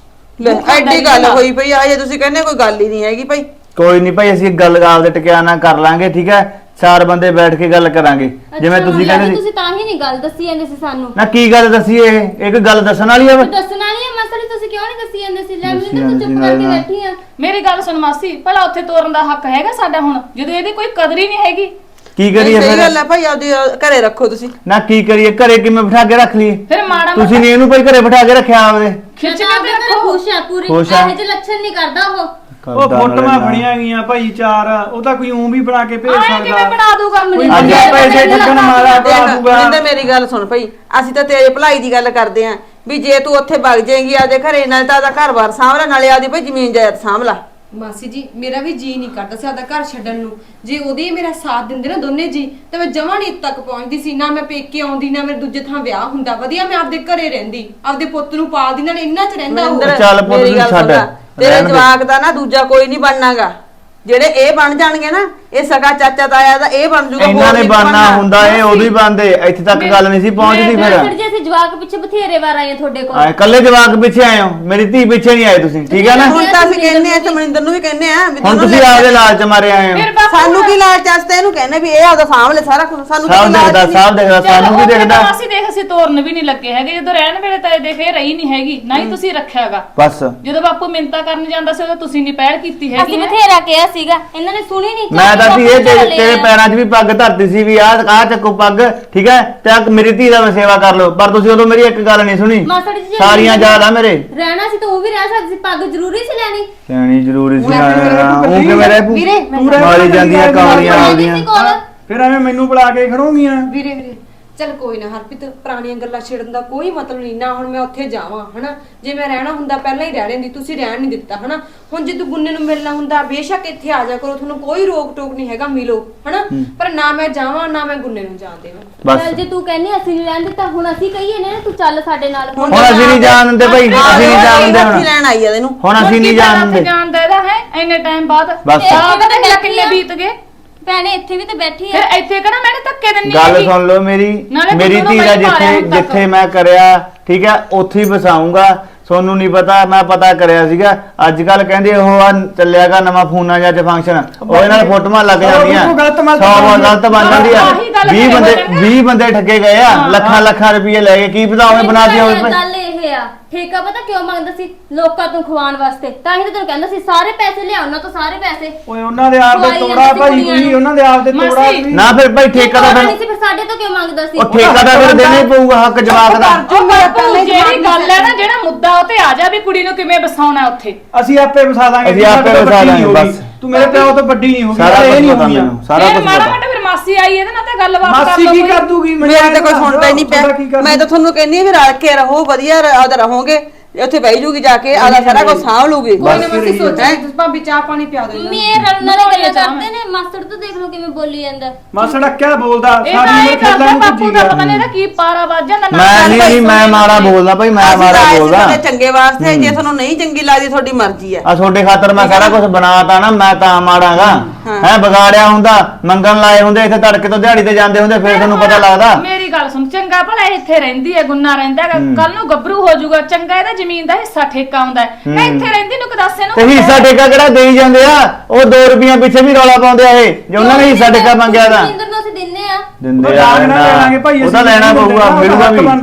[SPEAKER 3] ਲੈ
[SPEAKER 8] ਉਹ ਖਾਂਦਾ
[SPEAKER 3] ਐਡੀ
[SPEAKER 8] ਨੀ
[SPEAKER 3] ਗੱਲ
[SPEAKER 8] ਹੈਗਾ।
[SPEAKER 3] ਹੋਈ ਪਈ ਆ, ਜੇ ਤੁਸੀਂ ਕਹਿੰਦੇ ਕੋਈ ਗੱਲ ਹੀ ਨਹੀਂ ਹੈਗੀ ਭਾਈ।
[SPEAKER 7] ਕੋਈ ਨਹੀਂ ਭਾਈ, ਅਸੀਂ ਗੱਲ ਆਪਦੇ ਟਿਕਾਣਾ ਕਰ ਲਾਂਗੇ, ਠੀਕ ਹੈ। ਚਾਰ ਬੰਦੇ ਬੈਠ ਕੇ ਗੱਲ ਕਰਾਂਗੇ, ਜਿਵੇਂ ਤੁਸੀਂ ਕਹਿੰਦੇ ਸੀ।
[SPEAKER 1] ਤੁਸੀਂ ਤਾਂ ਹੀ ਨਹੀਂ ਗੱਲ ਦੱਸੀ ਜਾਂਦੇ ਸੀ ਸਾਨੂੰ।
[SPEAKER 7] ਨਾ ਕੀ ਗੱਲ ਦੱਸੀ ਇਹ ਇੱਕ ਗੱਲ ਦੱਸਣ ਵਾਲੀ ਆ ਵਾ?
[SPEAKER 1] ਦੱਸਣ ਵਾਲੀ ਹੈ ਮਸਲੀ, ਤੁਸੀਂ ਕਿਉਂ ਨਹੀਂ ਦੱਸੀ ਜਾਂਦੇ ਸੀ? ਲੈ
[SPEAKER 7] ਦੱਸੀ
[SPEAKER 1] ਮੈਨੂੰ ਤਾਂ
[SPEAKER 7] ਜਾਂਦੀ
[SPEAKER 1] ਚੁੱਪ
[SPEAKER 7] ਨਾਲ
[SPEAKER 1] ਕਰਕੇ
[SPEAKER 7] ਨਾਲ।
[SPEAKER 1] ਬੈਠੀ ਆ।
[SPEAKER 8] ਮੇਰੀ ਗੱਲ ਸੁਣ ਮਾਸੀ, ਭਲਾ ਉੱਥੇ ਤੋਰਨ ਦਾ ਹੱਕ ਹੈਗਾ ਸਾਡਾ ਹੁਣ, ਜਦੋਂ ਇਹਦੀ ਕੋਈ ਕਦਰ ਹੀ ਨਹੀਂ ਹੈਗੀ।
[SPEAKER 7] ਕੀ ਕਰੀਏ
[SPEAKER 3] ਸਹੀ
[SPEAKER 7] ਫਿਰ?
[SPEAKER 3] ਗੱਲ ਹੈ ਭਾਈ, ਆਪਦੀ ਘਰੇ ਰੱਖੋ ਤੁਸੀਂ।
[SPEAKER 7] ਨਾ ਕੀ ਕਰੀਏ, ਘਰੇ ਕਿਵੇਂ ਬਿਠਾ ਕੇ ਰੱਖ ਲਈਏ?
[SPEAKER 8] ਫਿਰ ਮਾੜਾ
[SPEAKER 7] ਤੁਸੀਂ ਨਹੀਂ ਇਹਨੂੰ ਭਾਈ ਘਰੇ ਬਿਠਾ ਕੇ ਰੱਖਿਆ ਆਪਦੇ?
[SPEAKER 8] ਖਿੱਚ
[SPEAKER 1] ਮੈਂ
[SPEAKER 8] ਕੇ
[SPEAKER 1] ਤਾਂ
[SPEAKER 8] ਤੇ
[SPEAKER 1] ਆਪਣੇ
[SPEAKER 8] ਰੱਖੋ।
[SPEAKER 1] ਖੁਸ਼ ਆ ਪੂਰੀ,
[SPEAKER 7] ਖੁਸ਼ ਆ।
[SPEAKER 1] ਇਹੋ ਜਿਹੇ ਲੱਛਣ ਨਹੀਂ ਕਰਦਾ ਉਹ।
[SPEAKER 6] ਉਹ ਫੋਟੋਆਂ ਬਣੀਆਂ ਗਈਆਂ ਭਾਈ ਚਾਰ, ਉਹ ਤਾਂ ਕੋਈ ਉਂ ਵੀ ਬਣਾ ਕੇ ਭੇਜ
[SPEAKER 8] ਆਏ ਕਿਵੇਂ
[SPEAKER 6] ਸਕਦਾ।
[SPEAKER 8] ਬਣਾ ਦੂਗਾ
[SPEAKER 6] ਕੋਈ
[SPEAKER 8] ਮੈਨੂੰ?
[SPEAKER 7] ਅੱਜ
[SPEAKER 6] ਪੈਸੇ ਠੱਗਣ ਮਾਰਾ ਬਣਾ
[SPEAKER 3] ਦੇਖ
[SPEAKER 6] ਦੂਗਾ।
[SPEAKER 3] ਮਨਿੰਦਰ ਮੇਰੀ ਗੱਲ ਸੁਣ ਭਾਈ, ਅਸੀਂ ਤਾਂ ਤੇਰੇ ਭਲਾਈ ਦੀ ਗੱਲ ਕਰਦੇ ਆਂ ਵੀ ਜੇ ਤੂੰ ਉੱਥੇ ਵਗ ਜਾਏਂਗੀ ਆਪਦੇ ਘਰੇ, ਨਾਲ ਤਾਂ ਆਪਦਾ ਘਰ-ਬਾਰ ਸਾਂਭ ਲੈ, ਨਾਲੇ ਆਪਦੀ ਭਾਈ ਜ਼ਮੀਨ ਜਾਇਦਾਦ ਸਾਂਭ ਲੈ। ਮਾਸੀ ਜੀ ਮੇਰਾ ਵੀ ਜੀ ਨਹੀਂ ਕਰਦਾ ਸੀ ਆਪਦਾ ਘਰ ਛੱਡਣ ਨੂੰ। ਜੇ ਉਹਦੇ ਮੇਰਾ ਸਾਥ ਦਿੰਦੇ ਨਾ ਦੋਨੇ ਜੀ, ਤਾਂ ਮੈਂ ਜਮਾਂ ਨਹੀਂ ਤੱਕ ਪਹੁੰਚਦੀ ਸੀ। ਨਾ ਮੈਂ ਪੇਕੇ ਆਉਂਦੀ, ਨਾ ਮੇਰੇ ਦੂਜੇ ਥਾਂ ਵਿਆਹ ਹੁੰਦਾ। ਵਧੀਆ ਮੈਂ ਆਪਦੇ ਘਰੇ ਰਹਿੰਦੀ, ਆਪਦੇ ਪੁੱਤ ਨੂੰ ਪਾਲਦੀ, ਨਾਲ ਇੰਨਾ ਚ ਰਹਿੰਦਾ ਉਹ।
[SPEAKER 7] ਚੱਲ ਪੁੱਤ
[SPEAKER 3] ਮੇਰੀ
[SPEAKER 7] ਨੂੰ
[SPEAKER 3] ਗੱਲ
[SPEAKER 7] ਛੱਡ,
[SPEAKER 3] ਸੁਣ ਲੈ, ਤੇਰੇ
[SPEAKER 7] ਰਹਿਣ ਦੇ।
[SPEAKER 3] ਜਵਾਕ ਦਾ ਨਾ ਦੂਜਾ ਕੋਈ ਨਹੀਂ ਬਣਨਾਗਾ। ਜਿਹੜੇ ਇਹ ਬਣ ਜਾਣਗੇ ਨਾ, ਇਹ ਸਗਾ ਚਾਚਾ ਤਾਇਆ ਦਾ ਇਹ ਬਣ ਜੂਗਾ।
[SPEAKER 7] ਇਹਨਾਂ ਨੇ
[SPEAKER 3] ਨੀ
[SPEAKER 7] ਬਣਨਾ ਹੁੰਦਾ, ਇਹ ਉਦੋਂ ਹੀ ਬਣਦੇ। ਇੱਥੇ ਤੱਕ ਗੱਲ ਨਹੀਂ ਸੀ ਪਹੁੰਚਦੀ
[SPEAKER 1] ਫਿਰ
[SPEAKER 7] ਫਿਰ।
[SPEAKER 1] ਜੇ ਅਸੀਂ ਜਵਾਕ ਪਿੱਛੇ ਬਥੇਰੇ ਵਾਰ ਆਏ ਆ ਤੁਹਾਡੇ ਕੋਲ।
[SPEAKER 7] ਆਏ ਕੱਲੇ ਜਵਾਕ ਪਿੱਛੇ ਆਏ ਹੋ, ਮੇਰੀ ਧੀ ਪਿੱਛੇ ਨਹੀਂ ਆਏ ਤੁਸੀਂ, ਠੀਕ ਹੈ ਨਾ?
[SPEAKER 3] ਹੁਣ ਤਾਂ ਅਸੀਂ ਕਹਿੰਦੇ ਆ, ਤੇ ਮਨਿੰਦਰ ਨੂੰ ਵੀ ਕਹਿੰਦੇ ਆ ਵੀ
[SPEAKER 7] ਹੁਣ
[SPEAKER 3] ਦੋਨੋਂ
[SPEAKER 7] ਤੁਸੀਂ
[SPEAKER 3] ਲੈ
[SPEAKER 7] ਆਪਦੇ ਲਾਲਚ ਮਾਰੇ ਆਏ ਹੋ।
[SPEAKER 8] ਫਿਰ ਬਾਪੂ
[SPEAKER 3] ਸਾਨੂੰ ਕੀ ਲਾਲਚ ਆਸਤੇ ਇਹਨੂੰ ਕਹਿੰਦੇ ਵੀ ਇਹ ਆਪਦਾ ਸਾਂਭ ਲੈ ਸਾਰਾ ਕੁਝ। ਸਾਨੂੰ
[SPEAKER 7] ਸਭ
[SPEAKER 3] ਕੋਈ ਲਾਲਚ
[SPEAKER 7] ਦੇਖਦਾ,
[SPEAKER 3] ਨਹੀਂ।
[SPEAKER 7] ਸਭ ਦੇਖਦਾ, ਸਾਨੂੰ ਵੀ ਦੇਖਦਾ।
[SPEAKER 8] ਅਸੀਂ ਦੇਖ ਅਸੀਂ ਤੋਰਨ ਵੀ ਨਹੀਂ ਲੱਗੇ ਹੈਗੇ, ਜਦੋਂ ਰਹਿਣ ਵੇਲੇ ਤਾਂ ਇਹ ਦੇਖ ਇਹ ਰਹੀ ਨਹੀਂ ਹੈਗੀ, ਨਾ ਹੀ ਤੁਸੀਂ ਰੱਖਿਆਗਾ।
[SPEAKER 7] ਬਸ
[SPEAKER 8] ਜਦੋਂ ਬਾਪੂ ਮਿੰਤਾ ਕਰਨ ਜਾਂਦਾ ਸੀ ਉਦੋਂ ਤੁਸੀਂ ਨਹੀਂ ਪਹਿਲ ਕੀਤੀ ਹੈਗੀ।
[SPEAKER 1] ਅਸੀਂ ਬਥੇਰਾ ਕਿਹਾ ਸੀਗਾ, ਇਹਨਾਂ ਨੇ ਸੁਣੀ ਨਹੀਂ।
[SPEAKER 7] ਮੈਂ ਤਾਂ ਸੀ ਇਹ ਤੇਰੇ ਪੈਰਾਂ 'ਚ ਵੀ ਪੱਗ ਧਰਤੀ ਸੀ ਵੀ ਆਹ ਚੱਕੋ ਪੱਗ, ਠੀਕ ਹੈ, ਤੇ ਆਹ ਮੇਰੀ ਧੀ ਦਾ ਮੈਂ ਸੇਵਾ ਕਰ ਲਓ। ਪਰ ਤੁਸੀਂ ਉਦੋਂ ਮੇਰੀ ਇੱਕ ਗੱਲ ਨਹੀਂ ਸੁਣੀ।
[SPEAKER 1] ਮਾਸੜ ਜੀ
[SPEAKER 7] ਸਾਰੀਆਂ ਯਾਦ ਆ ਮੇਰੇ।
[SPEAKER 1] ਰਹਿਣਾ ਸੀ ਤਾਂ ਉਹ ਵੀ ਰਹਿ ਸਕਦੀ ਸੀ, ਪੱਗ ਜ਼ਰੂਰੀ ਸੀ ਲੈਣੀ।
[SPEAKER 7] ਲੈਣੀ ਜ਼ਰੂਰੀ ਸੀ।
[SPEAKER 6] ਉਹ
[SPEAKER 7] ਕਿਵੇਂ ਰਹਿ
[SPEAKER 3] ਵੀਰੇ,
[SPEAKER 7] ਮਾਰੀ ਜਾਂਦੀਆਂ ਕਾਲੀਆਂ
[SPEAKER 1] ਨਹੀਂ
[SPEAKER 7] ਆਉਂਦੀਆਂ।
[SPEAKER 1] ਸੀ ਕੋਲ।
[SPEAKER 6] ਫਿਰ ਐਵੇਂ ਮੈਨੂੰ ਬੁਲਾ ਕੇ ਖੜੋਗੀਆਂ।
[SPEAKER 3] ਵੀਰੇ ਚੱਲ ਕੋਈ ਨਾ ਹਰਪ੍ਰੀਤ, ਪੁਰਾਣੀਆਂ ਗੱਲਾਂ ਛੇੜਨ ਦਾ ਕੋਈ ਮਤਲਬ ਨਹੀਂ ਨਾ। ਹੁਣ ਮੈਂ ਉੱਥੇ ਜਾਵਾਂ ਹਨਾ, ਜੇ ਮੈਂ ਰਹਿਣਾ ਹੁੰਦਾ ਪਹਿਲਾਂ ਹੀ ਰਹਿ ਲੈਂਦੀ, ਤੁਸੀਂ ਰਹਿਣ ਨਹੀਂ ਦਿੱਤਾ ਹਨਾ। ਹੁਣ ਜੇ ਤੂੰ ਗੁੰਨੇ ਨੂੰ ਮਿਲਣਾ ਹੁੰਦਾ, ਬੇਸ਼ੱਕ ਇੱਥੇ ਆ ਜਾ ਕਰੋ, ਤੁਹਾਨੂੰ ਕੋਈ ਰੋਕ ਟੋਕ ਨਹੀਂ ਹੈਗਾ, ਮਿਲੋ ਹਨਾ। ਪਰ ਨਾ ਮੈਂ ਜਾਵਾਂ, ਨਾ ਮੈਂ ਗੁੰਨੇ ਨੂੰ ਜਾਣ ਦੇਵਾਂ।
[SPEAKER 7] ਬਸ
[SPEAKER 1] ਚੱਲ ਜੇ ਤੂੰ ਕਹਿੰਦੀ ਅਸੀਂ ਨਹੀਂ ਰਹਿਣ ਦਿੱਤਾ, ਹੁਣ ਅਸੀਂ ਕਹੀਏ ਨੇ ਤੂੰ ਚੱਲ ਸਾਡੇ ਨਾਲ।
[SPEAKER 7] ਹੁਣ ਅਸੀਂ ਨਹੀਂ ਜਾਣ ਦਿੰਦੇ ਭਾਈ, ਅਸੀਂ ਨਹੀਂ ਜਾਣ ਦਿੰਦੇ ਹੁਣ।
[SPEAKER 3] ਲੈਣ ਆਈ ਆ ਇਹਨੂੰ।
[SPEAKER 7] ਹੁਣ ਅਸੀਂ ਨਹੀਂ ਜਾਣ ਦਿੰਦੇ।
[SPEAKER 8] ਜਾਣਦਾ ਇਹਦਾ ਹੈ ਇੰਨੇ ਟਾਈਮ ਬਾਅਦ।
[SPEAKER 7] ਬਸ।
[SPEAKER 8] ਸਾਲ ਪਤਾ ਨਹੀਂ ਕਿੰਨੇ ਬੀਤ ਗਏ।
[SPEAKER 1] ਭੈਣੇ ਇੱਥੇ ਵੀ ਤਾਂ ਬੈਠੀ
[SPEAKER 8] ਫਿਰ
[SPEAKER 1] ਆ।
[SPEAKER 8] ਇੱਥੇ ਕਿਹੜਾ ਮੈਨੇ ਧੱਕੇ ਦਿੰਨੀ
[SPEAKER 7] ਗੱਲ
[SPEAKER 8] ਹੈਗੀ।
[SPEAKER 7] ਸੁਣ ਲਓ ਮੇਰੀ,
[SPEAKER 8] ਨਾਲੇ
[SPEAKER 7] ਮੇਰੀ
[SPEAKER 8] ਤੁਹਾਨੂੰ
[SPEAKER 7] ਧੀ ਦਾ
[SPEAKER 8] ਬਾਈ ਮਾਰਿਆ ਹੁਣ ਤੱਕ।
[SPEAKER 7] ਜਿੱਥੇ ਮੈਂ ਕਰਿਆ, ਠੀਕ ਹੈ, ਉੱਥੇ ਹੀ ਵਸਾਊਂਗਾ। ਤੁਹਾਨੂੰ ਨਹੀਂ ਪਤਾ, ਮੈਂ ਪਤਾ ਕਰਿਆ ਸੀਗਾ। ਅੱਜ ਕੱਲ ਕਹਿੰਦੇ ਉਹ ਆ ਚੱਲਿਆਗਾ ਨਵਾਂ ਫੋਨਾਂ ਜਾਂ ਚ ਫੰਕਸ਼ਨ, ਉਹ ਇਹਨਾਂ ਨਾਲ ਫੋਟੋਆਂ ਲੱਗ ਜਾਂਦੀਆਂ,
[SPEAKER 6] ਉਹ ਗਲਤ ਮਲਤ
[SPEAKER 7] 100 ਗਲਤ ਬਣ ਜਾਂਦੀ ਆ।
[SPEAKER 8] ਆਹੀ ਗੱਲ
[SPEAKER 7] 20 ਬੰਦੇ
[SPEAKER 8] ਕਰੇ ਹੋਏ
[SPEAKER 7] 20 ਬੰਦੇ ਠੱਗੇ ਗਏ ਆ, ਲੱਖਾਂ ਲੱਖਾਂ ਰੁਪਏ ਲੈ ਕੇ। ਕੀ ਪਤਾ ਉਹਨੇ ਬਣਾ ਦਿਆ ਹੋਵੇ।
[SPEAKER 1] ਗੱਲ ਇਹ ਆ, ਠੇਕਾ ਪਤਾ ਕਿਉਂ ਮੰਗਦਾ ਸੀ? ਲੋਕਾਂ ਤੋਂ ਖਵਾਉਣ ਵਾਸਤੇ। ਤਾਂ ਹੀ ਤਾਂ ਤੈਨੂੰ ਕਹਿੰਦਾ ਸੀ ਸਾਰੇ ਪੈਸੇ ਲਿਆ ਉਹਨਾਂ ਤੋਂ, ਸਾਰੇ ਪੈਸੇ।
[SPEAKER 6] ਓਏ ਉਹਨਾਂ ਦੇ ਆਪ ਦੇ
[SPEAKER 1] ਖਵਾਈ
[SPEAKER 6] ਤੋੜਾ
[SPEAKER 1] ਜਾਂਦੇ ਸੀ
[SPEAKER 6] ਭਾਈ,
[SPEAKER 1] ਕੁੜੀਆਂ
[SPEAKER 6] ਕੋਈ
[SPEAKER 1] ਨੂੰ।
[SPEAKER 6] ਉਹਨਾਂ ਦੇ ਆਪ ਦੇ ਤੋੜਾ
[SPEAKER 8] ਮਾਸੀ,
[SPEAKER 6] ਕੋਈ।
[SPEAKER 7] ਨਾ ਫਿਰ ਭਾਈ ਠੇਕਾ ਦਾ
[SPEAKER 1] ਨਹੀਂ ਸੀ,
[SPEAKER 7] ਫਿਰ
[SPEAKER 1] ਫਿਰ ਸਾਡੇ ਤੋਂ ਕਿਉਂ ਮੰਗਦਾ ਸੀ?
[SPEAKER 7] ਉਹ ਠੇਕਾ ਦਾ ਫਿਰ ਦੇਣਾ ਹੀ ਪਊਗਾ, ਹੱਕ ਜਵਾਬ ਦਾ।
[SPEAKER 8] ਉਹ ਬਾਪੂ ਜਿਹੜੀ ਗੱਲ ਹੈ ਨਾ, ਜਿਹੜਾ ਮੁੱਦਾ ਉਹ ਤੇ ਆ ਜਾ ਵੀ ਕੁੜੀ ਨੂੰ ਕਿਵੇਂ ਬਸਾਉਣਾ ਉੱਥੇ।
[SPEAKER 6] ਅਸੀਂ ਆਪੇ ਵਸਾ ਦਾਂਗੇ।
[SPEAKER 7] ਅਸੀਂ ਆਪੇ
[SPEAKER 6] ਸਾਡੇ ਤੋਂ
[SPEAKER 7] ਵਸਾ
[SPEAKER 6] ਵੱਡੀ
[SPEAKER 7] ਦਾਂਗੇ,
[SPEAKER 6] ਨਹੀਂ ਹੋਗੀ।
[SPEAKER 7] ਬਸ।
[SPEAKER 6] ਤੂੰ ਮੇਰੇ ਪਿਓ ਤੋਂ ਵੱਡੀ ਨਹੀਂ ਹੋਗੀ,
[SPEAKER 7] ਸਾਰਾ
[SPEAKER 6] ਇਹ
[SPEAKER 7] ਕੁਝ
[SPEAKER 6] ਨਹੀਂ
[SPEAKER 7] ਪਤਾ
[SPEAKER 6] ਹੋਗੀਆਂ।
[SPEAKER 7] ਮੈਨੂੰ, ਸਾਰਾ
[SPEAKER 8] ਫਿਰ
[SPEAKER 7] ਕੁਝ
[SPEAKER 8] ਮਾੜਾ
[SPEAKER 7] ਪਤਾ।
[SPEAKER 8] ਮੋਟਾ ਫਿਰ ਮਾਸੀ ਆਈ ਇਹਦੇ ਨਾਲ ਤਾਂ ਗੱਲਬਾਤ ਕਰ
[SPEAKER 6] ਮਾਸੀ
[SPEAKER 8] ਲਓ
[SPEAKER 6] ਕੀ
[SPEAKER 8] ਕੋਈ।
[SPEAKER 6] ਕਰ ਦੂਗੀ?
[SPEAKER 3] ਮੇਰੇ ਤੇ ਕੋਈ ਸੁਣਦਾ ਹੀ ਨਹੀਂ
[SPEAKER 6] ਤੁਹਾਡਾ ਕੀ
[SPEAKER 3] ਪਿਆ।
[SPEAKER 6] ਕਰਨਾ?
[SPEAKER 3] ਮੈਂ ਤਾਂ ਤੁਹਾਨੂੰ ਕਹਿੰਦੀ ਆ ਵੀ ਰਲ ਕੇ ਰਹੋ, ਵਧੀਆ ਆਪਦਾ ਰਹੋਗੇ। ਉੱਥੇ ਬਹਿ ਜੂਗੀ ਜਾ ਕੇ, ਆਦਾ ਸਾਰਾ ਕੁਝ ਸਾਂਭ ਲੂਗੀ।
[SPEAKER 6] ਕੋਈ ਨਾ ਮਾਸੀ ਸੋਚਾਂ,
[SPEAKER 3] ਤੁਸੀਂ ਭਾਬੀ ਚਾਹ ਪਾਣੀ ਪਿਆ ਦਿਓ।
[SPEAKER 1] ਮੰਮੀ ਇਹ ਰਲਣ ਵਾਲੇ ਗੱਲਾਂ ਕਰਦੇ ਨੇ। ਮਾਸਟਰ ਤੋਂ ਦੇਖ ਲਓ ਕਿਵੇਂ ਬੋਲੀ ਜਾਂਦਾ।
[SPEAKER 6] ਮਾਸੜਾ ਕਿਆ ਬੋਲਦਾ?
[SPEAKER 8] ਇਹ
[SPEAKER 6] ਸਾਰੀ
[SPEAKER 8] ਤਾਂ
[SPEAKER 6] ਉਮਰ
[SPEAKER 8] ਇਹ ਕਰਦਾ
[SPEAKER 6] ਖੇਡਾਂ ਨੂੰ
[SPEAKER 8] ਬਾਪੂ ਦਾ
[SPEAKER 6] ਭੁੱਜੀ
[SPEAKER 8] ਪਤਾ ਨਹੀਂ ਇਹਦਾ ਕੀ ਪਾਰਾ ਵੱਜ ਜਾਂਦਾ।
[SPEAKER 7] ਮੈਂ ਨਹੀਂ, ਮੈਂ ਮਾੜਾ ਬੋਲਦਾ ਭਾਈ, ਮੈਂ ਮਾੜਾ ਬੋਲਦਾ।
[SPEAKER 3] ਤੁਹਾਡੇ ਚੰਗੇ ਵਾਸਤੇ, ਜੇ ਤੁਹਾਨੂੰ ਨਹੀਂ ਚੰਗੀ ਲੱਗਦੀ ਤੁਹਾਡੀ ਮਰਜ਼ੀ ਆ।
[SPEAKER 7] ਆ ਤੁਹਾਡੇ ਖਾਤਰ ਮੈਂ ਸਾਰਾ ਕੁਝ ਬਣਾਤਾ ਨਾ, ਮੈਂ ਤਾਂ ਮਾੜਾਂਗਾ ਹੈ। ਵਿਗਾੜਿਆ ਹੁੰਦਾ, ਮੰਗਣ ਲਾਏ ਹੁੰਦੇ, ਇੱਥੇ ਤੜਕੇ ਤੋਂ ਦਿਹਾੜੀ ਤੇ ਜਾਂਦੇ ਹੁੰਦੇ, ਫਿਰ ਤੁਹਾਨੂੰ ਪਤਾ ਲੱਗਦਾ।
[SPEAKER 8] ਮੇਰੀ ਗੱਲ ਸੁਣ, ਚੰਗਾ ਭਲਾ ਇੱਥੇ ਰਹਿੰਦੀ ਹੈ, ਗੁੰਨਾ ਰਹਿੰਦਾ ਹੈਗਾ, ਕੱਲ ਨੂੰ ਗੱਭਰੂ ਹੋ ਜਾਊਗਾ, ਚੰਗਾ ਇਹਦਾ ਜ਼ਮੀਨ ਦਾ ਹਿੱਸਾ ਠੇਕਾ ਆਉਂਦਾ ਹੈ। ਮੈਂ ਇੱਥੇ ਰਹਿੰਦੀ ਨੂੰ ਕਦਾਸੇ ਨੂੰ
[SPEAKER 7] ਤੇ ਹਿੱਸਾ ਠੇਕਾ ਕਿਹੜਾ ਦੇਈ ਜਾਂਦੇ ਆ? ਉਹ 2 ਰੁਪਈਆ ਪਿੱਛੇ ਵੀ ਰੌਲਾ ਪਾਉਂਦੇ ਆ ਇਹ, ਜੇ ਉਹਨਾਂ ਨੇ ਹਿੱਸਾ ਠੇਕਾ ਮੰਗਿਆ ਤਾਂ
[SPEAKER 1] ਮਨਿੰਦਰ ਨੂੰ ਅਸੀਂ ਦਿੰਨੇ ਆ।
[SPEAKER 7] ਦਿੰਦੇ
[SPEAKER 6] ਉਹ
[SPEAKER 7] ਆ
[SPEAKER 6] ਲੈਣਾ ਭਾਈ,
[SPEAKER 7] ਉਹ ਤਾਂ ਲੈਣਾ ਪਊਗਾ, ਮਿਲੂਗਾ ਵੀ।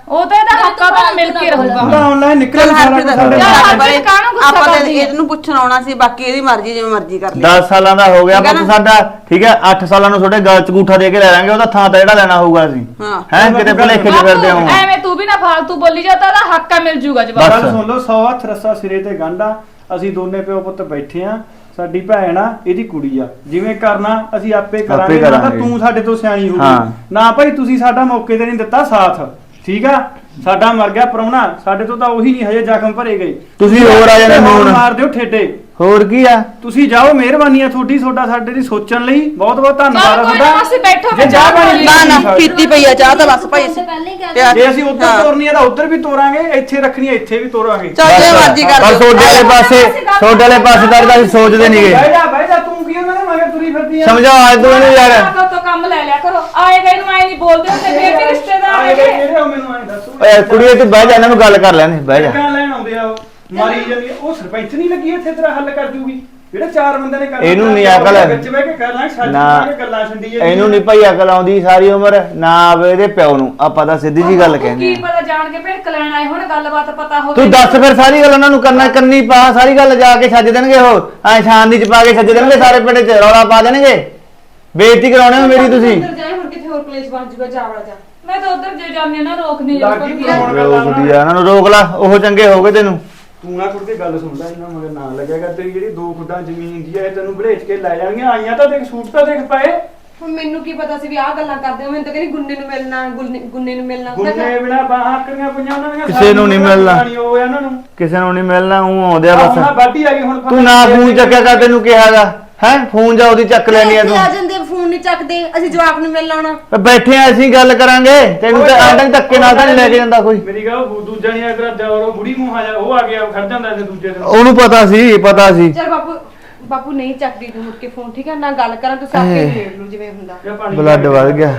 [SPEAKER 8] ਉਹ ਤਾਂ ਇਹਦਾ ਹੱਕ ਆ ਤਾਂ ਮਿਲ ਕੇ ਰਹੂਗਾ
[SPEAKER 6] ਉਹਦਾ ਆਨਲਾਈਨ ਨਿਕਲ ਸਾਰਾ ਕੁਛ ਸਾਡੇ
[SPEAKER 8] ਯਾਰ,
[SPEAKER 6] ਨਾਲ।
[SPEAKER 8] ਹਰਪ੍ਰੀਤ ਕਾਹਨੂੰ ਗੁੱਸਾ
[SPEAKER 3] ਆਪਾਂ
[SPEAKER 8] ਕਰਦੀ ਹੈ?
[SPEAKER 3] ਇਹਨੂੰ ਪੁੱਛਣ ਆਉਣਾ ਸੀ, ਬਾਕੀ ਇਹਦੀ ਮਰਜ਼ੀ ਜਿਵੇਂ ਮਰਜ਼ੀ ਕਰ ਲੈ।
[SPEAKER 7] 10 ਸਾਲਾਂ ਦਾ ਹੋ ਗਿਆ
[SPEAKER 3] ਠੀਕ ਹੈ
[SPEAKER 7] ਪੁੱਤ
[SPEAKER 3] ਨਾ?
[SPEAKER 7] ਸਾਡਾ, ਠੀਕ ਹੈ 8 ਸਾਲਾਂ ਨੂੰ ਤੁਹਾਡੇ ਗਲ ਚ ਅੰਗੂਠਾ ਦੇ ਕੇ ਲੈ ਲਾਂਗੇ, ਉਹਦਾ ਥਾਂ ਤਾਂ ਜਿਹੜਾ ਲੈਣਾ ਹੋਊਗਾ ਅਸੀਂ
[SPEAKER 3] ਹਾਂ।
[SPEAKER 7] ਹੈ ਕਿਤੇ ਭੁਲੇਖੇ ਚ ਫਿਰਦੇ ਹੋ।
[SPEAKER 8] ਐਵੇਂ ਤੂੰ ਵੀ ਨਾ ਫਾਲਤੂ ਬੋਲੀ ਜਾ, ਤਾਂ ਇਹਦਾ ਹੱਕ ਆ ਮਿਲ ਜੂਗਾ ਜਵਾਬ।
[SPEAKER 6] ਗੱਲ ਸੁਣ ਲਓ 100 ਹੱਥ ਰੱਸਾ ਸਿਰੇ ਤੇ ਗੰਢਾ। ਅਸੀਂ ਦੋਨੇ ਪਿਓ ਪੁੱਤ ਬੈਠੇ ਆ, ਸਾਡੀ ਭੈਣ ਆ, ਇਹਦੀ ਕੁੜੀ ਆ, ਜਿਵੇਂ ਕਰਨਾ ਅਸੀਂ ਆਪੇ ਕਰਾਂਗੇ। ਨਾ ਤਾਂ
[SPEAKER 7] ਕਰਾਂਗੇ।
[SPEAKER 6] ਤੂੰ ਸਾਡੇ ਤੋਂ ਸਿਆਣੀ ਹੋ
[SPEAKER 7] ਹਾਂ।
[SPEAKER 6] ਗਈ ਨਾ ਭਾਈ, ਤੁਸੀਂ ਸਾਡਾ ਮੌਕੇ ਤੇ ਨਹੀਂ ਦਿੱਤਾ ਸਾਥ, ਠੀਕ ਆ। ਸਾਡਾ ਮਰ ਗਿਆ ਪ੍ਰਾਹੁਣਾ, ਸਾਡੇ ਤੋਂ ਤਾਂ ਉਹੀ ਨਹੀਂ ਹਜੇ ਜ਼ਖਮ ਭਰੇ ਗਏ।
[SPEAKER 7] ਤੁਸੀਂ ਹੋਰ ਆ ਜਾਣੇ ਹੁਣ।
[SPEAKER 6] ਮਾਰ ਦਿਓ ਠੇਡੇ।
[SPEAKER 7] ਹੋਰ ਕੀ ਆ,
[SPEAKER 6] ਤੁਸੀਂ ਜਾਓ, ਮਿਹਰਬਾਨੀ ਆ ਤੁਹਾਡਾ ਸਾਡੇ ਦੀ ਸੋਚਣ ਲਈ ਬਹੁਤ ਬਹੁਤ ਧੰਨਵਾਦ ਆ
[SPEAKER 8] ਚੱਲ ਕੋਈ ਨਾ
[SPEAKER 6] ਤੁਹਾਡਾ।
[SPEAKER 8] ਮਾਸੀ ਬੈਠੋ,
[SPEAKER 6] ਜੇ ਚਾਹ ਪਾਣੀ
[SPEAKER 3] ਨਾ ਨਾ ਪੀਤੀ ਪਈ ਆ ਚਾਹ ਤਾਂ ਬਸ ਭਾਈ ਅਸੀਂ।
[SPEAKER 1] ਪਹਿਲਾਂ ਹੀ ਕਹਿ
[SPEAKER 6] ਜੇ ਅਸੀਂ ਉੱਧਰ ਤੋਰਨੀ ਆ ਤਾਂ ਉੱਧਰ ਵੀ ਤੋਰਾਂਗੇ, ਇੱਥੇ ਰੱਖਣੀ ਆ ਇੱਥੇ ਵੀ ਤੋਰਾਂਗੇ।
[SPEAKER 3] ਚੱਲ ਜੇ ਮਰਜ਼ੀ ਕਰ
[SPEAKER 7] ਪਰ
[SPEAKER 3] ਦਿਓ।
[SPEAKER 7] ਤੁਹਾਡੇ ਵਾਲੇ ਪਾਸੇ ਤਾਂ ਅਸੀਂ ਸੋਚਦੇ ਨਹੀਂਗੇ।
[SPEAKER 6] ਬਹਿ ਜਾ ਤੂੰ ਕੀ ਉਹਨਾਂ ਦੇ ਮਗਰ ਤੁਰੀ ਫਿਰਦੀ ਆ।
[SPEAKER 7] ਸਮਝਾਓ ਅੱਜ ਤੋਂ ਇਹਨੂੰ ਯਾਰ।
[SPEAKER 8] ਤੋਂ ਕੰਮ ਲੈ ਲਿਆ ਕਰੋ, ਆਏ ਗਏ ਨੂੰ ਆਏ ਨਹੀਂ ਬੋਲਦੇ ਹੁੰਦੇ, ਫੇਰ ਵੀ ਰਿਸ਼ਤੇਦਾਰ
[SPEAKER 6] ਆਏ
[SPEAKER 8] ਹੈਗੇ।
[SPEAKER 6] ਕਿਹੜੇ ਹੋ ਮੈਨੂੰ ਐਂ ਦੱਸੋ।
[SPEAKER 7] ਓਏ ਕੁੜੀਏ ਤੂੰ ਬਹਿ ਜਾ, ਇਹਨਾਂ ਨੂੰ ਗੱਲ ਕਰ ਲੈਣੇ, ਬਹਿ ਜਾ।
[SPEAKER 6] ਕਿਹਨਾਂ ਲੈਣ ਆਉਂਦੇ ਆ ਉਹ ਮਾਰੀ ਜਾਂਦੀ ਆ। ਉਹ ਸਰਪੰਚ ਨਹੀਂ ਲੱਗੀ ਇੱਥੇ ਤੇਰਾ ਹੱਲ ਕਰ ਜੂਗੀ, ਜਿਹੜੇ 4 ਬੰਦੇ ਨੇ ਕਰਨਾ।
[SPEAKER 7] ਇਹਨੂੰ ਨਹੀਂ ਅਕਲ।
[SPEAKER 6] ਵਿੱਚ ਬਹਿ ਕੇ ਕਰ ਲਾਂਗੇ, ਛੱਡ
[SPEAKER 7] ਨਾ।
[SPEAKER 6] ਕੇ ਗੱਲਾਂ ਛੰਡੀ ਜਾਂਦੀਆਂ।
[SPEAKER 7] ਇਹਨੂੰ ਨਹੀਂ ਭਾਈ ਅਕਲ ਆਉਂਦੀ ਸਾਰੀ ਉਮਰ ਨਾ ਆਵੇ ਇਹਦੇ ਪਿਓ ਨੂੰ, ਆਪਾਂ ਤਾਂ ਸਿੱਧੀ ਜੀ ਗੱਲ
[SPEAKER 8] ਤੂੰ
[SPEAKER 7] ਕਹਿੰਦੇ
[SPEAKER 8] ਕੀ
[SPEAKER 7] ਆ।
[SPEAKER 8] ਪਤਾ ਜਾਣ ਕੇ ਭਿੜਕ ਲੈਣ ਆਏ ਹੁਣ, ਗੱਲਬਾਤ ਪਤਾ ਹੋਵੇ।
[SPEAKER 7] ਤੂੰ ਦੱਸ ਫਿਰ ਸਾਰੀ ਗੱਲ ਉਹਨਾਂ ਨੂੰ ਕਰਨੀ ਪਾ, ਸਾਰੀ ਗੱਲ ਜਾ ਕੇ ਛੱਜ ਦੇਣਗੇ ਉਹ, ਐ ਸ਼ਾਨ ਦੀ ਚ ਪਾ ਕੇ ਛੱਜ ਦੇਣਗੇ, ਸਾਰੇ ਪਿੰਡ ਚ ਰੌਲਾ ਪਾ ਦੇਣਗੇ, ਬੇਇੱਜ਼ਤੀ ਕਰਾਉਣੇ ਹੋ ਮੇਰੀ ਤੁਸੀਂ।
[SPEAKER 3] ਜਾਏ ਹੁਣ ਕਿੱਥੇ ਹੋਰ ਕਲੇਸ਼ ਬਣ ਜੂਗਾ, ਜਾਵੜਾ ਜਾ।
[SPEAKER 8] ਮੈਂ ਤਾਂ ਉਧਰ ਜੇ ਜਾਂਦੀ ਆ ਨਾ ਰੋਕਦੀ
[SPEAKER 6] ਲੱਗੀ ਬੁਲਾਉਣ ਗੱਲਾਂ
[SPEAKER 7] ਰੋਕ ਦੀ ਆ, ਇਹਨਾਂ ਨੂੰ ਰੋਕ ਲਾ, ਉਹ ਚੰਗੇ ਹੋ ਗਏ ਤੈਨੂੰ।
[SPEAKER 6] ਤੂੰ ਨਾ ਕੁੜ ਕੇ ਗੱਲ ਸੁਣ ਲੈ, ਇਹਨਾਂ ਮਗਰ ਨਾ ਲੱਗੇਗਾ। ਤੇਰੀ ਜਿਹੜੀ 2 ਖੁੱਡਾਂ ਜ਼ਮੀਨ ਦੀ ਹੈ ਤੈਨੂੰ ਭਲੇਚ ਕੇ ਲੈ ਜਾਣਗੀਆਂ। ਆਈਆਂ ਤਾਂ ਦੇਖ, ਸੂਟ ਤਾਂ ਦੇਖ ਪਏ।
[SPEAKER 3] ਹੁਣ ਮੈਨੂੰ ਕੀ ਪਤਾ ਸੀ ਵੀ ਆਹ ਗੱਲਾਂ ਕਰਦੇ ਹੋ। ਮੈਨੂੰ ਤਾਂ ਕਹਿੰਦੀ ਗੁੰਨੇ ਨੂੰ ਮਿਲਣਾ, ਗੁੰਨੇ ਨੂੰ ਮਿਲਣਾ। ਮੈਂ ਕਿਹਾ
[SPEAKER 6] ਗੁੰਨੇ ਬਿਨਾ ਬਾਹਾਂ ਆਕੜੀਆਂ ਪਈਆਂ ਉਹਨਾਂ ਦੀਆਂ।
[SPEAKER 7] ਕਿਸੇ ਨੂੰ ਨਹੀਂ ਮਿਲਣਾ।
[SPEAKER 6] ਉਹ ਇਹਨਾਂ ਨੂੰ
[SPEAKER 7] ਕਿਸੇ ਨੂੰ ਨਹੀਂ ਮਿਲਣਾ, ਉਹ ਆਉਂਦੇ ਆ
[SPEAKER 6] ਹੁਣ
[SPEAKER 7] ਬਸ।
[SPEAKER 6] ਬਾਡੀ ਆ ਗਈ ਹੁਣ।
[SPEAKER 7] ਤੂੰ ਨਾ ਫੋਨ ਚੱਕਿਆ ਕਰ, ਤੈਨੂੰ ਕਿਹਾਗਾ ਹੈ ਫੋਨ ਜਾ ਉਹਦੀ ਚੱਕ ਲੈਣੀ ਆ
[SPEAKER 3] ਇੱਥੇ
[SPEAKER 7] ਤੂੰ।
[SPEAKER 3] ਆ ਜਾਂਦੇ ਫੋਨ ਨਹੀਂ ਚੱਕਦੇ, ਅਸੀਂ ਜਵਾਬ ਨੂੰ ਮਿਲਣ ਆਉਣਾ।
[SPEAKER 7] ਬੈਠੇ ਆ ਅਸੀਂ ਗੱਲ ਕਰਾਂਗੇ, ਤੈਨੂੰ ਤਾਂ ਆਂਡਾ ਧੱਕੇ ਨਾਲ ਤਾਂ ਨਹੀਂ ਲੈ ਕੇ ਜਾਂਦਾ ਕੋਈ।
[SPEAKER 6] ਮੇਰੀ ਗੱਲ ਦੂਜਾ ਨਹੀਂ ਅਗਰ ਦਿਓਰ ਉਹ ਬੁੜੀ ਮੂੰਹ ਆ ਜਾ, ਉਹ ਆ ਗਿਆ ਖੜ ਜਾਂਦਾ ਤੇ ਦੂਜੇ ਦਿਨ।
[SPEAKER 7] ਉਹਨੂੰ ਪਤਾ ਸੀ।
[SPEAKER 3] ਚਲ ਬਾਪੂ ਨਹੀਂ ਚੱਕਦੀ ਤੂੰ ਮੁੜ ਕੇ ਫੋਨ, ਠੀਕ ਹੈ ਨਾ ਗੱਲ ਕਰਾਂ ਤੂੰ ਸਾਕੇ ਦੇਖ ਲੂ ਜਿਵੇਂ ਹੁੰਦਾ।
[SPEAKER 6] ਜਾਂ ਪਾਣੀ
[SPEAKER 7] ਬਲੱਡ ਵੱਧ ਗਿਆ।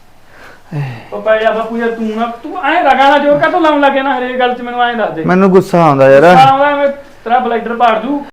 [SPEAKER 6] ਉਹ ਪੈ ਜਾ ਬਾਪੂ ਯਾਰ, ਤੂੰ ਐਂ ਲਗਾਣਾ ਜੋਰ ਕਾ ਲਾਉਣ ਲੱਗੇ ਨਾ ਹਰੇਕ ਗੱਲ 'ਚ, ਮੈਨੂੰ ਐਂ ਦੱਸ ਦੇ।
[SPEAKER 7] ਮੈਨੂੰ ਗੁੱਸਾ ਆਉਂਦਾ ਯਾਰ।
[SPEAKER 6] ਆਉਂਦਾ ਤੇਰਾ ਬਲੱਡਰ ਪਾੜ ਜੂ।